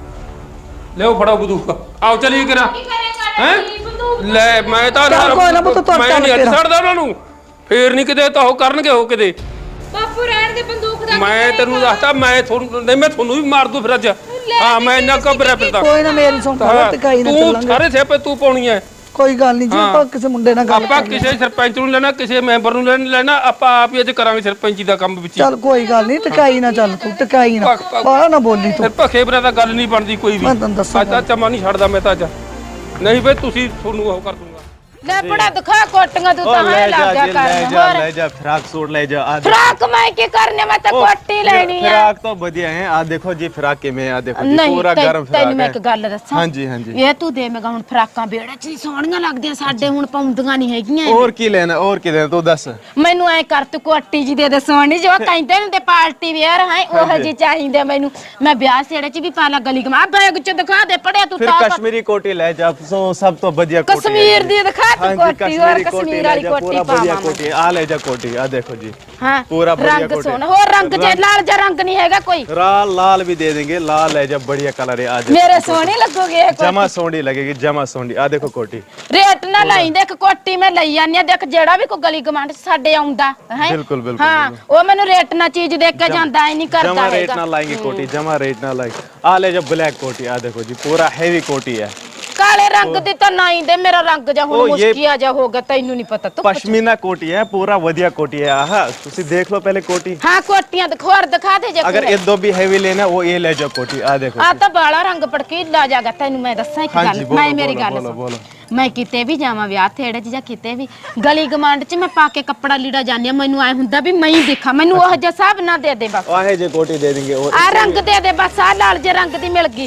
ਲਿਓ ਫੜੋ ਬੰਦੂਕ ਆਓ ਚਲੀਏ ਕਰਾ ਕੀ ਕਰੇਗਾ ਹੈ ਜੀ ਬੰਦੂਕ ਲੈ ਮੈਂ ਤਾਂ ਚੱਲ ਕੋਈ ਨਾ ਪੁੱਤ ਤੁਰ ਮੈਂ ਚੱਲ ਨਹੀਂ ਹੱਥ ਤੇਰਾ। ਛੱਡਦਾ ਉਹਨਾਂ ਨੂੰ ਫੇਰ ਨਹੀਂ ਕਿਤੇ ਤਾਂ ਉਹ ਕਰਨਗੇ ਉਹ ਕਿਤੇ ਬਾਪੂ ਰਹਿਣ ਦੇ ਬੰਦੂਕ ਦਾ ਮੈਂ ਤੈਨੂੰ ਦੱਸਦਾ ਮੈਂ ਤੁਹਾਨੂੰ ਨਹੀਂ ਮੈਂ ਤੁਹਾਨੂੰ ਵੀ ਮਾਰ ਦੂੰ ਫਿਰ ਅੱਜ ਹਾਂ ਮੈਂ ਇੰਨਾ ਘਬਰਿਆ ਫਿਰਦਾ ਕੋਈ ਨਾ ਮੇਰੀ ਸੁਣ ਹਾਂ, ਟਕਾਈ ਨਾ ਤੂੰ ਚੱਲਾਂਗੇ ਸਾਰੇ ਸਿਆਪੇ ਤੂੰ ਪਾਉਣੀ ਐ ਕੋਈ ਗੱਲ ਨਹੀਂ ਜੀ ਹਾਂ। ਆਪਾਂ ਕਿਸੇ ਮੁੰਡੇ ਨਾਲ ਗੱਲ ਆਪਾਂ ਕਰਨੀ ਕਿਸੇ ਸਰਪੰਚ ਨੂੰ ਲੈਣਾ ਕਿਸੇ ਮੈਂਬਰ ਨੂੰ ਲੈਣ- ਲੈਣਾ ਆਪਾਂ ਆਪ ਹੀ ਅੱਜ ਕਰਾਂਗੇ ਸਰਪੰਚੀ ਦਾ ਕੰਮ ਵਿੱਚ ਹੀ। ਚੱਲ ਕੋਈ ਗੱਲ ਨਹੀਂ ਟਕਾਈ ਨਾ ਚੱਲ ਤੂੰ ਟਕਾਈ ਨਾ ਪੱਕ- ਪੱਕ। ਬਾਹਰ ਨਾ ਬੋਲੀ ਤੂੰ ਫਿਰ ਭਖੇ ਬਰਾ ਤਾਂ ਗੱਲ ਨਹੀਂ ਬਣਦੀ ਕੋਈ ਵੀ ਮੈਂ ਤੈਨੂੰ ਦੱਸਾਂ ਅੱਜ ਤਾਂ ਚਮਾ ਨਹੀਂ ਛੱਡਦਾ ਮੈਂ ਤਾਂ ਅੱਜ ਨਹੀਂ ਬਈ ਤੁਸੀਂ ਤੁਹਾਨੂੰ ਉਹ ਕਰ ਦੂੰਗਾ ਲੈ ਬੜਾ ਦਿਖਾ ਕੋਟੀਆਂ ਤੂੰ ਤਾਂ ਹੈ ਲੱਗ ਗਿਆ ਕਰਨ ਹੋਰ ले जा फ्राक सूट ले जा आ देखो। ਫਰਾਕ ਮੈਂ ਕੀ ਕਰਨੇ ਮੈਂ ਤਾਂ ਕੋਟੀ ਲੈਣੀ ਆ फ्राक तो बढ़िया है आ देखो जी फ्राक के में आ देखो जी ਨਹੀਂ पूरा ਤੈ- गर्म ਤੈਨੂੰ फ्राक ਮੈਂ है ਇੱਕ ਗੱਲ ਦੱਸਾਂ ਹਾਂਜੀ, ਹਾਂਜੀ। ਇਹ ਤੂੰ ਦੇਵੇਂਗਾ ਹੁਣ ਫਰਾਕਾਂ ਬੇੜੇ ਚ ਹੀ ਸੋਹਣੀਆਂ ਲੱਗਦੀਆਂ ਸਾਡੇ ਹੁਣ ਪਾਉਂਦੀਆਂ ਨਹੀਂ ਹੈਗੀਆਂ ਇਹ। और की लेना और की लेना तू दस ਮੈਨੂੰ ਐ ਕਰ ਤੂੰ ਕੋਟੀ ਜੀ ਦੇ ਦੇ ਸੋਹਣੀ ਜੋ ਕਹਿੰਦੇ ਨੇ ਤੇ ਪਾਰਟੀ ਵੇਅਰ ਹੈ ਉਹ ਜੀ ਚਾਹੀਦੇ ਮੈਨੂੰ ਮੈਂ ਵਿਆਹ ਸੇੜੇ ਚ ਵੀ ਪਾ ਲਾ ਗਲੀ ਗਮਾ ਬੈਗ ਚ ਦਿਖਾ ਦੇ ਪੜਿਆ ਤੂੰ फिर ਤਾਂ कश्मीरी कोटी ले जा सो सब तो बढ़िया कोटी है कश्मीर जी। दी दिखा तू हाँ जी, कोटी और कश्मीरी कोटी कश्मीर ले वाली जा, कोटी पूरा बढ़िया पावा कोटी आ ले जा कोटी आ देखो जी हाँ पूरा बढ़िया रंग कोटी सोना और रंग जे लाल जा रंग नहीं हैगा कोई लाल लाल भी दे देंगे लाल है जब बढ़िया कलर है आ देखो मेरे सोने लगोगे ये जमा सोंडी लगेगी जमा सोंडी आ देखो कोटी ਰੇਟ ਨਾ ਲਾਈ ਦੇਖ ਕੋਟੀ ਮੈਂ ਲਈ ਜਾਂਦੀ ਆ ਦੇਖ ਜਿਹੜਾ ਵੀ ਕੋਈ ਗਲੀ ਗਮਾਂਡ ਸਾਡੇ ਆਉਂਦਾ ਹੈ ਬਿਲਕੁਲ, ਬਿਲਕੁਲ, ਹਾਂ ਉਹ ਮੈਨੂੰ ਰੇਟ ਨਾ ਚੀਜ਼ ਦੇਖ ਕੇ ਜਾਂਦਾ ਹੀ ਨਹੀਂ ਕਰਦਾ जमा रेट ਹੈਗਾ ना लाएंगे कोटी जमा रेट ना लाएंगे आ ले जा ब्लैक कोटी आ देखो जी पूरा हैवी कोटी है ਕਾਲੇ ਰੰਗ ਦੀ ਤਾਂ ਨਾ ਹੀ ਦੇ ਮੇਰਾ ਰੰਗ ਜਾ ਹੁਣ ਉਹ ਇਹ- ਮੁਸ਼ਕੀਆ ਜਾ ਹੋ ਗਿਆ ਤੈਨੂੰ ਨਹੀਂ ਪਤਾ ਤੂੰ पश्मीना कोटी है पूरा बढ़िया कोटी है आहा तुसी देख लो पहले कोटी ਹਾਂ ਕੋਟੀਆਂ ਦਿਖਾਰ ਦਿਖਾ ਦੇ ਜੇ अगर ये दो भी हैवी लेना वो ये ले जाओ कोटी आ देखो ਆ ਤਾਂ ਬਾਲਾ ਰੰਗ ਪੜਕੀਲਾ ਜਾਗਾ ਤੈਨੂੰ ਮੈਂ ਦੱਸਾਂ ਇੱਕ ਹਾਂਜੀ, ਗੱਲ ਬੋਲੋ, ਮੈਂ ਮੇਰੀ ਬੋਲੋ, ਗੱਲ ਬੋਲੋ, ਸੁਣ। ਬੋਲੋ। ਮੈਂ ਕਿਤੇ ਵੀ ਜਾਵਾਂ ਵਿਆਹ ਥੇੜੇ 'ਚ ਜਾਂ ਕਿਤੇ ਵੀ ਗਲੀ ਗਮਾਂਡ 'ਚ ਮੈਂ ਪਾ ਕੇ ਕੱਪੜਾ ਲੀੜਾ ਜਾਂਦੀ ਆ ਮੈਨੂੰ ਐ ਹੁੰਦਾ ਵੀ ਮੈਂ ਹੀ ਦੇਖਾਂ ਮੈਨੂੰ ਉਹ ਜਿਹਾ ਹਿਸਾਬ ਨਾ ਦੇ ਦੇ ਬਸ आहे जे कोटी दे देंगे और ਆ ਰੰਗ ਦੇ ਦੇ ਬਸ ਆ ਲਾਲ ਜੇ ਰੰਗ ਦੀ ਮਿਲ ਗਈ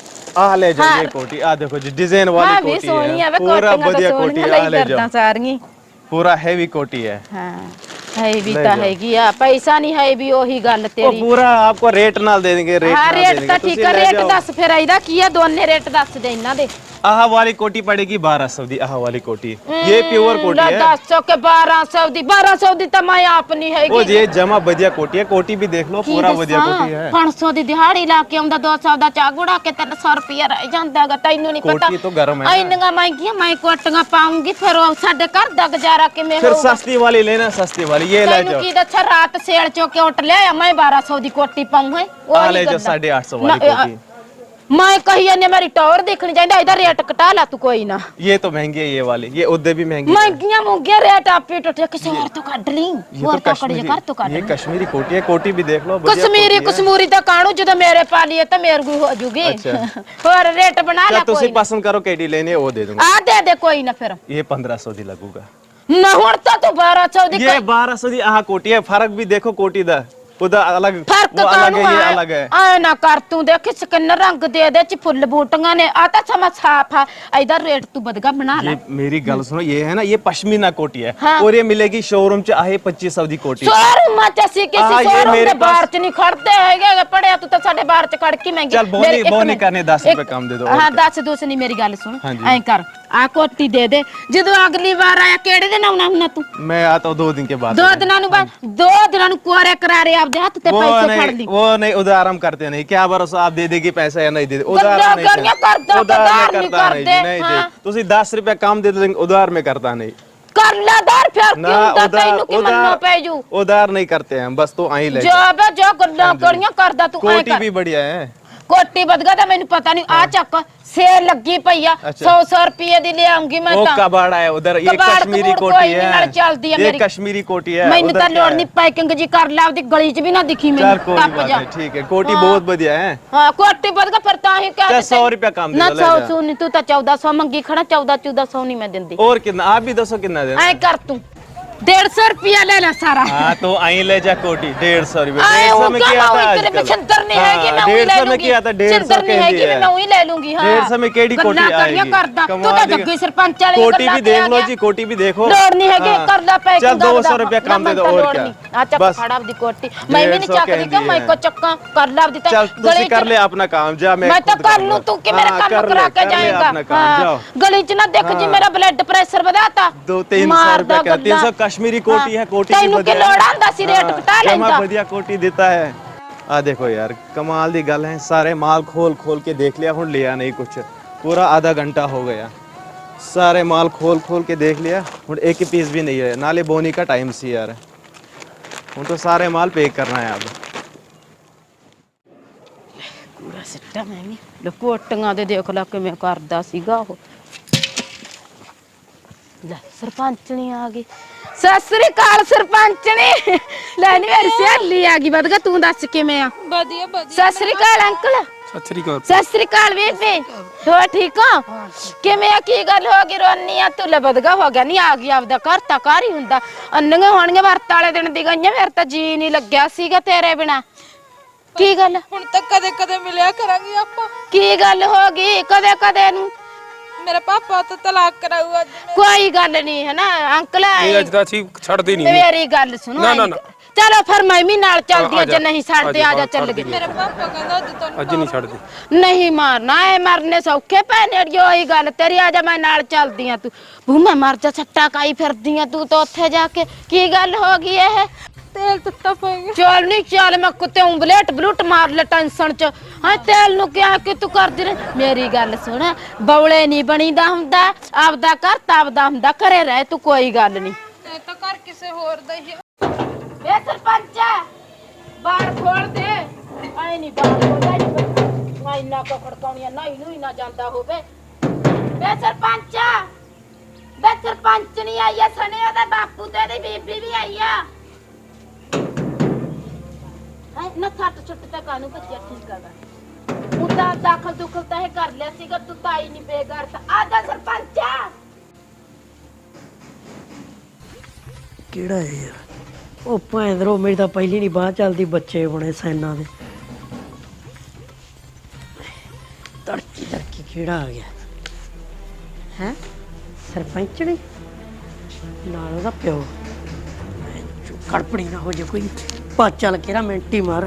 आ ले जाओ हाँ। ये कोटी आ देखो जी डिजाइन ਹਾਂ वाली ਵੀ कोटी ਸੋਹਣੀ ਆ है ਵੇ पूरा ਕੋਟੀਆਂ ਤਾਂ बढ़िया कोटी ਸੋਹਣੀਆਂ आ ਲਈ ले ਫਿਰਦਾ जाओ ਸਾਰੀਆਂ पूरा हैवी कोटी है ਹਾਂ ਹੈ ਵੀ ਲੈ ਤਾਂ ਜਾਓ। ਹੈਗੀ ਆ ਪੈਸਾ ਨਹੀਂ ਹੈ ਵੀ ਉਹੀ ਗੱਲ वो ਤੇਰੀ पूरा आपको रेट नाल दे देंगे रेट ਹਾਂ नाल दे ਰੇਟ देंगे ਤਾਂ तुसी ਠੀਕ ਆ ले ਰੇਟ जाओ। ਦੱਸ ਫਿਰ ਇਹਦਾ ਕੀ ਆ ਦੋਨੇ ਰੇਟ ਦੱਸ ਦੇ ਇਹਨਾਂ ਦੇ आहा वाली कोटी पड़ेगी बारह सौ दी आहा वाली कोटी ये प्योर कोटी है दस सौ के बारह सौ दी बारह सौ दी तो मैं आप नहीं वो हैगी ये जमा बढ़िया कोटी है कोटी भी देख लो पूरा बढ़िया कोटी है पाँच सौ दी दिहाड़ी ला के आਉਂਦਾ दो सौ ਦਾ ਚਾਗ ਉਡਾ ਕੇ ਤਿੰਨ ਸੌ ਰੁਪਿਆ ਰਹਿ ਜਾਂਦਾਗਾ ਤੈਨੂੰ ਨਹੀਂ ਪਤਾ कोटी तो गर्म है ना। ਇੰਨੀਆਂ ਮਹਿੰਗੀਆਂ ਮੈਂ ਕੋਟੀਆਂ ਪਾਉਂਗੀ ਫਿਰ ਉਹ ਸਾਡੇ ਘਰ ਦਾ ਗੁਜ਼ਾਰਾ ਕਿਵੇਂ फिर ਹੋਊਗਾ सस्ती वाली लेना सस्ती वाली ये ले ਤੈਨੂੰ जाओ ਕੀ ਦੱਸਿਆ ਰਾਤ ਸੇਲ ਚੋਂ ਕਿ ਉੱਟ ਲਿਆ ਮੈਂ बारह सौ ਦੀ ਕੋਟੀ ਪਾਉਂ ਹੈ आ ले जाओ साढ़े आठ सौ वाली कोटी ਮੈਂ ਕਹੀ ਜਾਂਦੀ ਮੇਰੀ ਟੌਰ ਦੇਖਣੀ ਚਾਹੀਦਾ ਇਹਦਾ ਰੇਟ ਘਟਾ ਲਾ ਤੂੰ ਕੋਈ ਨਾ ये तो महंगी है ये वाली ये उधर भी महंगी है। ਮਹਿੰਗੀਆਂ ਮੁੰਗੀਆਂ ਰੇਟ ਆਪੇ ਟੁੱਟੇ ਕਿਸੇ ਹੋਰ ਤੋਂ ਕੱਢ ਲਈ ये ਹੋਰ तो ਤੋਂ ਕੱਢ ਜੇ ਘਰ ਤੋਂ ਕੱਢ कश्मीरी ये ਲਈ कश्मीरी कोटी है कोटी भी देख लो बढ़िया ਕਸ਼ਮੀਰੀ कोटी है। ਕਸ਼ਮੂਰੀ ਤਾਂ ਕਾਣੂ ਜਦੋਂ ਮੇਰੇ ਪਾ ਲਈਏ ਤਾਂ ਮੇਰੇ ਕੋ ਹੋ ਜੂਗੀ ਅੱਛਾ। ਹੋਰ ਰੇਟ ਬਣਾ ਲੈ क्या तुसी ਕੋਈ ਨਾ। पसंद करो केडी लेनी है वो दे दूंगा ਆ ਦੇ ਦੇ ਕੋਈ ਨਾ ਫਿਰ ये पंद्रह सौ दी लगूगा ਨਾ ਹੁਣ ਤਾਂ ਤੂੰ बारह सौ ਦੀ ये बारह सौ दी आहा कोटी है फर्क भी देखो कोटी दा उधर अलग ਫਰਕ वो अलग ਕਾਣੂ है ये अलग है ਆ ਨਾ ਕਰ ਤੂੰ ਦੇਖ ਸਕਿਨ ਰੰਗ ਦੇ ਦੇ ਚ ਫੁੱਲ ਬੂਟੀਆਂ ਨੇ ਆ ਤਾਂ ਸਮਾਂ ਸਾਫ ਆ ਇਹਦਾ ਰੇਟ ਤੂੰ ਬਦਗਾ ਬਣਾ ਲੈ ये मेरी गल सुनो ये है ना ये पश्मीना कोटी है हाँ। और ये मिलेगी शोरूम च आहे पच्चीस सौ दी कोटी ਸ਼ੋਰੂਮਾਂ ਚ ਅਸੀਂ ਆ, ਕਿਸੇ ਇਹ ਸ਼ੋਰੂਮ ਮੇਰੇ ਦੇ ਬਾਹਰ ਚ ਨਹੀਂ ਖੜਦੇ ਹੈਗੇ ਪੜਿਆ ਤੂੰ ਤਾਂ ਸਾਡੇ ਬਾਹਰ ਚ ਖੜ ਕੇ ਮਹਿੰਗੀ ਚੱਲ ਬੋਨੀ- ਮੇਰੀ ਇੱਕ ਬੋਨੀ ਮਿੰਟ, ਕਰਨੇ ਦਸ ਇੱਕ- ਰੁਪਏ ਕਮ ਦੇ ਦਿਓ, ਹਾਂ ਹੋਰ ਕਿਆ। ਦਸ ਦੂਸ ਨਹੀਂ ਮੇਰੀ ਗੱਲ ਸੁਣ ਹਾਂਜੀ। ਐਂ ਕਰ ਆ ਕੋਟੀ ਦੇ ਦੇ ਜਦੋਂ ਅਗਲੀ ਵਾਰ ਆਇਆ ਕਿਹੜੇ ਦਿਨ ਆਉਣਾ ਹੁੰਨਾ ਤੂੰ मैं आता हूँ दो दिन के बाद ਦੋ ਦਿਨਾਂ ਨੂੰ ਬਾਅਦ ਦੋ ਦਿਨਾਂ ਨੂੰ ਕੋਰੇ ਕਰਾਰੇ ਆਪਦੇ ਹੱਥ ਤੇ वो ਪੈਸੇ ਫੜ नहीं ਲਈ वो नहीं उधार हम करते नहीं क्या भरोसा आप दे देगी पैसा या नहीं दे दे उधार गंदा नहीं करिया करता। करता, उधार उधार मैं नहीं करता नहीं जी करते, नहीं हाँ। जी तुसी दस रुपया कम दे देंगे उधार में करता नहीं कर ला दार फिर ना क्यों दा उधार तैनू की मन्नो उधार पे जू उधार नहीं करते हैं बस तो आई ले जो बे जो गल्ला करियां करदा तू ऐ कोटी कर भी बढ़िया है कोटी बदगा ਤਾਂ ਮੈਨੂੰ ਪਤਾ ਨਹੀਂ ਆ ਚੱਕ ਸੇਲ ਲੱਗੀ ਪਈ ਆ अच्छा। सौ सौ रुपए ਦੀ ਲੈ ਆਉਂਗੀ ਮੈਂ वो ਤਾਂ कबाड़ा है उधर ये कबाड़ कश्मीरी कबूड़ कोटी कोई नहीं, नाल चलदी है है ये मेरी। कश्मीरी कोटी है ਮੈਨੂੰ उधर ਤਾਂ क्या ਲੋੜ है? ਨਹੀਂ ਪੈਕਿੰਗ ਜੀ ਕਰ ਲੈ ਆਪਦੀ ਗਲੀ 'ਚ ਵੀ ਨਾ ਦਿਖੀ चल ਮੈਨੂੰ कोई ਟੱਪ बात ਜਾ नहीं ठीक है कोटी हाँ। बहुत बढ़िया है ਹਾਂ ਕੋਟੀ ਬਦਗਾ ਫਿਰ ਤਾਂ ਹੀ ਕਹਿ चल सौ रुपया कम दे ਨਾ दो, ले सौ जा। सौ ਨਹੀਂ ਤੂੰ ਤਾਂ चौदह सौ ਮੰਗੀ ਖੜਾ चौदह चौदह सौ ਨਹੀਂ ਮੈਂ ਦਿੰਦੀ और कितना आप भी दसो कितना दे ਐ ਕਰ ਤੂੰ डेढ़ सौ रुपया ले ला सारा हाँ तो आई ले जा कोटी डेढ़ सौ रुपये आए डेढ़ सौ वो में क्या किया मैं था वही तेरे में आजकल छिंदर नहीं है कि मैं वही डेढ़ ले सौ में लूंगी किया था डेढ़ सौ छिंदर नहीं है कि मैं वही ले लूंगी हाँ डेढ़ सौ में केड़ी कोटी गल्ला करियां आएगी करदा तू कमाल तो दी- जग्गी सरपंच वाली कोटी गल्ला भी देख करिया लो गया। जी कोटी भी देखो लोड़ नहीं है कि हाँ। कर ला पैकिंग चल दो सौ रुपया कम दे दो और क्या आ चक बस खड़ा दी कोटी मैं भी नहीं डेढ़ सौ चकदी कहती कि मैं है। को चक्का कर ला दी चल तुसी कर ले अपना काम जा मैं मैं तो खुद कर करूंगा। लूं तू कि मेरा हाँ, काम कर ले, करा के कर ले जाएगा अपना काम, हाँ, जाओ। गली च ना देख जी हाँ। मेरा ब्लड प्रेशर बढ़ाता दो तीन सौ रुपया क्या तीन सौ कश्मीरी कोटी है कोटी ਤੈਨੂੰ ਕੀ ਲੋੜ ਆਂਦਾ ਸੀ ਰੇਟ ਘਟਾ ਲੈਂਦਾ बढ़िया कोटी देता है आ देखो यार कमाल दी गल है सारे माल खोल खोल के देख लिया हुन लिया नहीं कुछ पूरा आधा घंटा हो गया सारे माल खोल खोल के देख लिया हुन एक ही पीस भी नहीं है नाले बोनी का टाइम सी यार हुन तो सारे माल पैक करना है अब ਪੂਰਾ ਸਿੱਟਾ ਮੈਂ ਵੀ ਲਕੋਟੀਆਂ ਦੇ ਦੇਖ ਲੈ ਕਿਵੇਂ ਕਰਦਾ ਸੀਗਾ ਉਹ ਲੈ ਸਰਪੰਚਣੀ ਆ ਗਈ ਸਤਿ ਸ੍ਰੀ ਅਕਾਲ ਸਰਪੰਚਣੀ ਲੈ ਨੀ ਮੇਰੀ ਸਹੇਲੀ ਆ ਗਈ ਵਧਗਾ ਤੂੰ ਦੱਸ ਕਿਵੇਂ ਆ ਵਧੀਆ ਵਧੀਆ ਸਤਿ ਸ੍ਰੀ ਅਕਾਲ ਅੰਕਲ ਸਤਿ ਸ੍ਰੀ ਅਕਾਲ ਸਤਿ ਸ੍ਰੀ ਅਕਾਲ ਬੀਬੀ ਹੋ ਠੀਕ ਹੋ ਕਿਵੇਂ ਆ ਕੀ ਗੱਲ ਹੋ ਗਈ ਰੋਨੀ ਆ ਤੂੰ ਲੈ ਵਧਗਾ ਹੋ ਗਿਆ ਨਹੀਂ ਆ ਗਈ ਆਪਦਾ ਘਰ ਤਾਂ ਘਰ ਹੀ ਹੁੰਦਾ ਅੰਨੀਆਂ ਹੋਣੀਆਂ ਵਰਤ ਵਾਲੇ ਦਿਨ ਦੀ ਗਈਆਂ ਮੇਰੇ ਤਾਂ ਜੀ ਨਹੀਂ ਲੱਗਿਆ ਸੀਗਾ ਤੇਰੇ ਬਿਨਾ ਕੀ ਗੱਲ ਹੁਣ ਤੱਕ ਕਦੇ ਕਦੇ ਮਿਲਿਆ ਕਰਾਂਗੇ ਆਪਾਂ ਕੀ ਗੱਲ ਹੋ ਗਈ ਕਦੇ ਕਦੇ ਨੂੰ ਮੇਰਾ ਪਾਪਾ ਤਾਂ ਤਲਾਕ ਕਰਾਊ ਅੱਜ ਕੋਈ ਗੱਲ ਨਹੀਂ ਹੈ ਨਾ ਅੰਕਲ ਇਹ ਅੱਜ ਤਾਂ ਅਸੀਂ ਛੱਡਦੇ ਨਹੀਂ ਮੇਰੀ ਗੱਲ ਸੁਣੋ ਨਾ, ਨਾ, ਨਾ। ਚਲੋ ਫਿਰ ਮੈਂ ਵੀ ਨਾਲ ਚੱਲਦੀ ਆ ਆ ਜਾ, ਜੇ ਨਹੀਂ ਛੱਡਦੇ ਆ ਆ ਜਾ, ਜਾ ਚੱਲ ਛੱਡਦੀ ਗਏ ਮੇਰਾ ਪਾਪਾ ਕਹਿੰਦਾ ਅੱਜ ਤੁਹਾਨੂੰ ਅੱਜ ਨਹੀਂ ਛੱਡਦੇ ਨਹੀਂ ਮਾਰਨਾ ਐ ਮਰਨੇ ਸੌਖੇ ਪੈਣੇ ਅੜਿਓ ਹੀ ਗੱਲ ਤੇਰੀ ਆ ਜਾ ਮੈਂ ਨਾਲ ਚੱਲਦੀ ਆ ਤੂੰ ਬੂ ਮੈਂ ਮਰ ਜਾ ਛੱਟਾ ਕਾਈ ਫਿਰਦੀ ਆ ਤੂੰ ਤਾਂ ਉੱਥੇ ਜਾ ਕੇ ਕੀ ਗੱਲ ਹੋ ਗਈ ਇਹ ਤੇਲ ਤੱਤਾ ਪਏਗਾ ਚੱਲ ਨਹੀਂ ਚੱਲ ਮੈਂ ਕੁੱਤੇ ਉਂਗਲੇਟ ਬਲੂਟ ਮਾਰ ਲੈ ਟੈਨਸ਼ਨ ਚ ਹਾਂ ਤੇਲ ਨੂੰ ਕਿਹਾ ਕਿ ਤੂੰ ਕਰਦੀ ਰਹਿ ਮੇਰੀ ਗੱਲ ਸੁਣ ਬੌਲੇ ਨਹੀਂ ਬਣੀਦਾ ਹੁੰਦਾ ਆਪਦਾ ਘਰ ਤਾਂ ਆਪਦਾ ਹੁੰਦਾ ਘਰੇ ਰਹਿ ਤੂੰ ਕੋਈ ਗੱਲ ਨਹੀਂ ਇਹ ਤਾਂ ਘਰ ਕਿਸੇ ਹੋਰ ਦਾ ਹੀ ਹੈ ਵੇ ਸਰਪੰਚ ਬਾਹਰ ਖੋਲ ਦੇ ਆਈ ਨਹੀਂ ਬਾਹਰ ਖੋਲਦਾ ਨਹੀਂ ਮੈਂ ਇੰਨਾ ਕੋ ਖੜਕਾਉਣੀਆਂ ਨਹੀਂ ਨੂੰ ਹੀ ਨਾ ਜਾਂਦਾ ਹੋਵੇ ਵੇ ਸਰਪੰਚ ਵੇ ਸਰਪੰਚ ਨਹੀਂ ਆਇਆ ਸਣੇ ਉਹਦਾ ਬਾਪੂ ਤੇ ਉਹਦੀ ਬੀਬੀ ਵੀ ਆਈ ਆ ਹੈ ਨਾ ਛੱਟ ਛੁੱਟ ਤੇ ਕਾਨੂੰ ਬੱਚਿਆ ਠੀਕ ਹੈਗਾ ਉਹਦਾ ਦਾਖਲ ਦੁਖਲ ਤਾਂ ਇਹ ਕਰ ਲਿਆ ਸੀਗਾ ਤੂੰ ਤਾਂ ਹੀ ਨਹੀਂ ਬੇਗਾਰ ਤਾਂ ਆ ਜਾ ਸਰਪੰਚ ਕਿਹੜਾ ਹੈ ਯਾਰ ਉਹ ਭੈਂਦਰੋ ਮੇਰੀ ਤਾਂ ਪਹਿਲੀ ਨਹੀਂ ਬਾਹ ਚੱਲਦੀ ਬੱਚੇ ਬਣੇ ਸੈਨਾ ਦੇ ਤੜਕੀ ਤੜਕੀ ਕਿਹੜਾ ਆ ਗਿਆ ਹੈ ਸਰਪੰਚ ਨੇ ਨਾਲ ਉਹਦਾ ਪਿਓ ਕੜਪੜੀ ਨਾ ਹੋ ਜੇ ਕੋਈ ਪਾ ਚੱਲ ਕੇ ਨਾ ਮਿੰਟੀ ਮਾਰ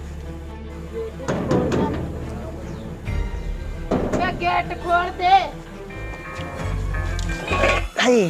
ਵੇ ਗੇਟ ਖੋਲ ਦੇ ਹਾਏ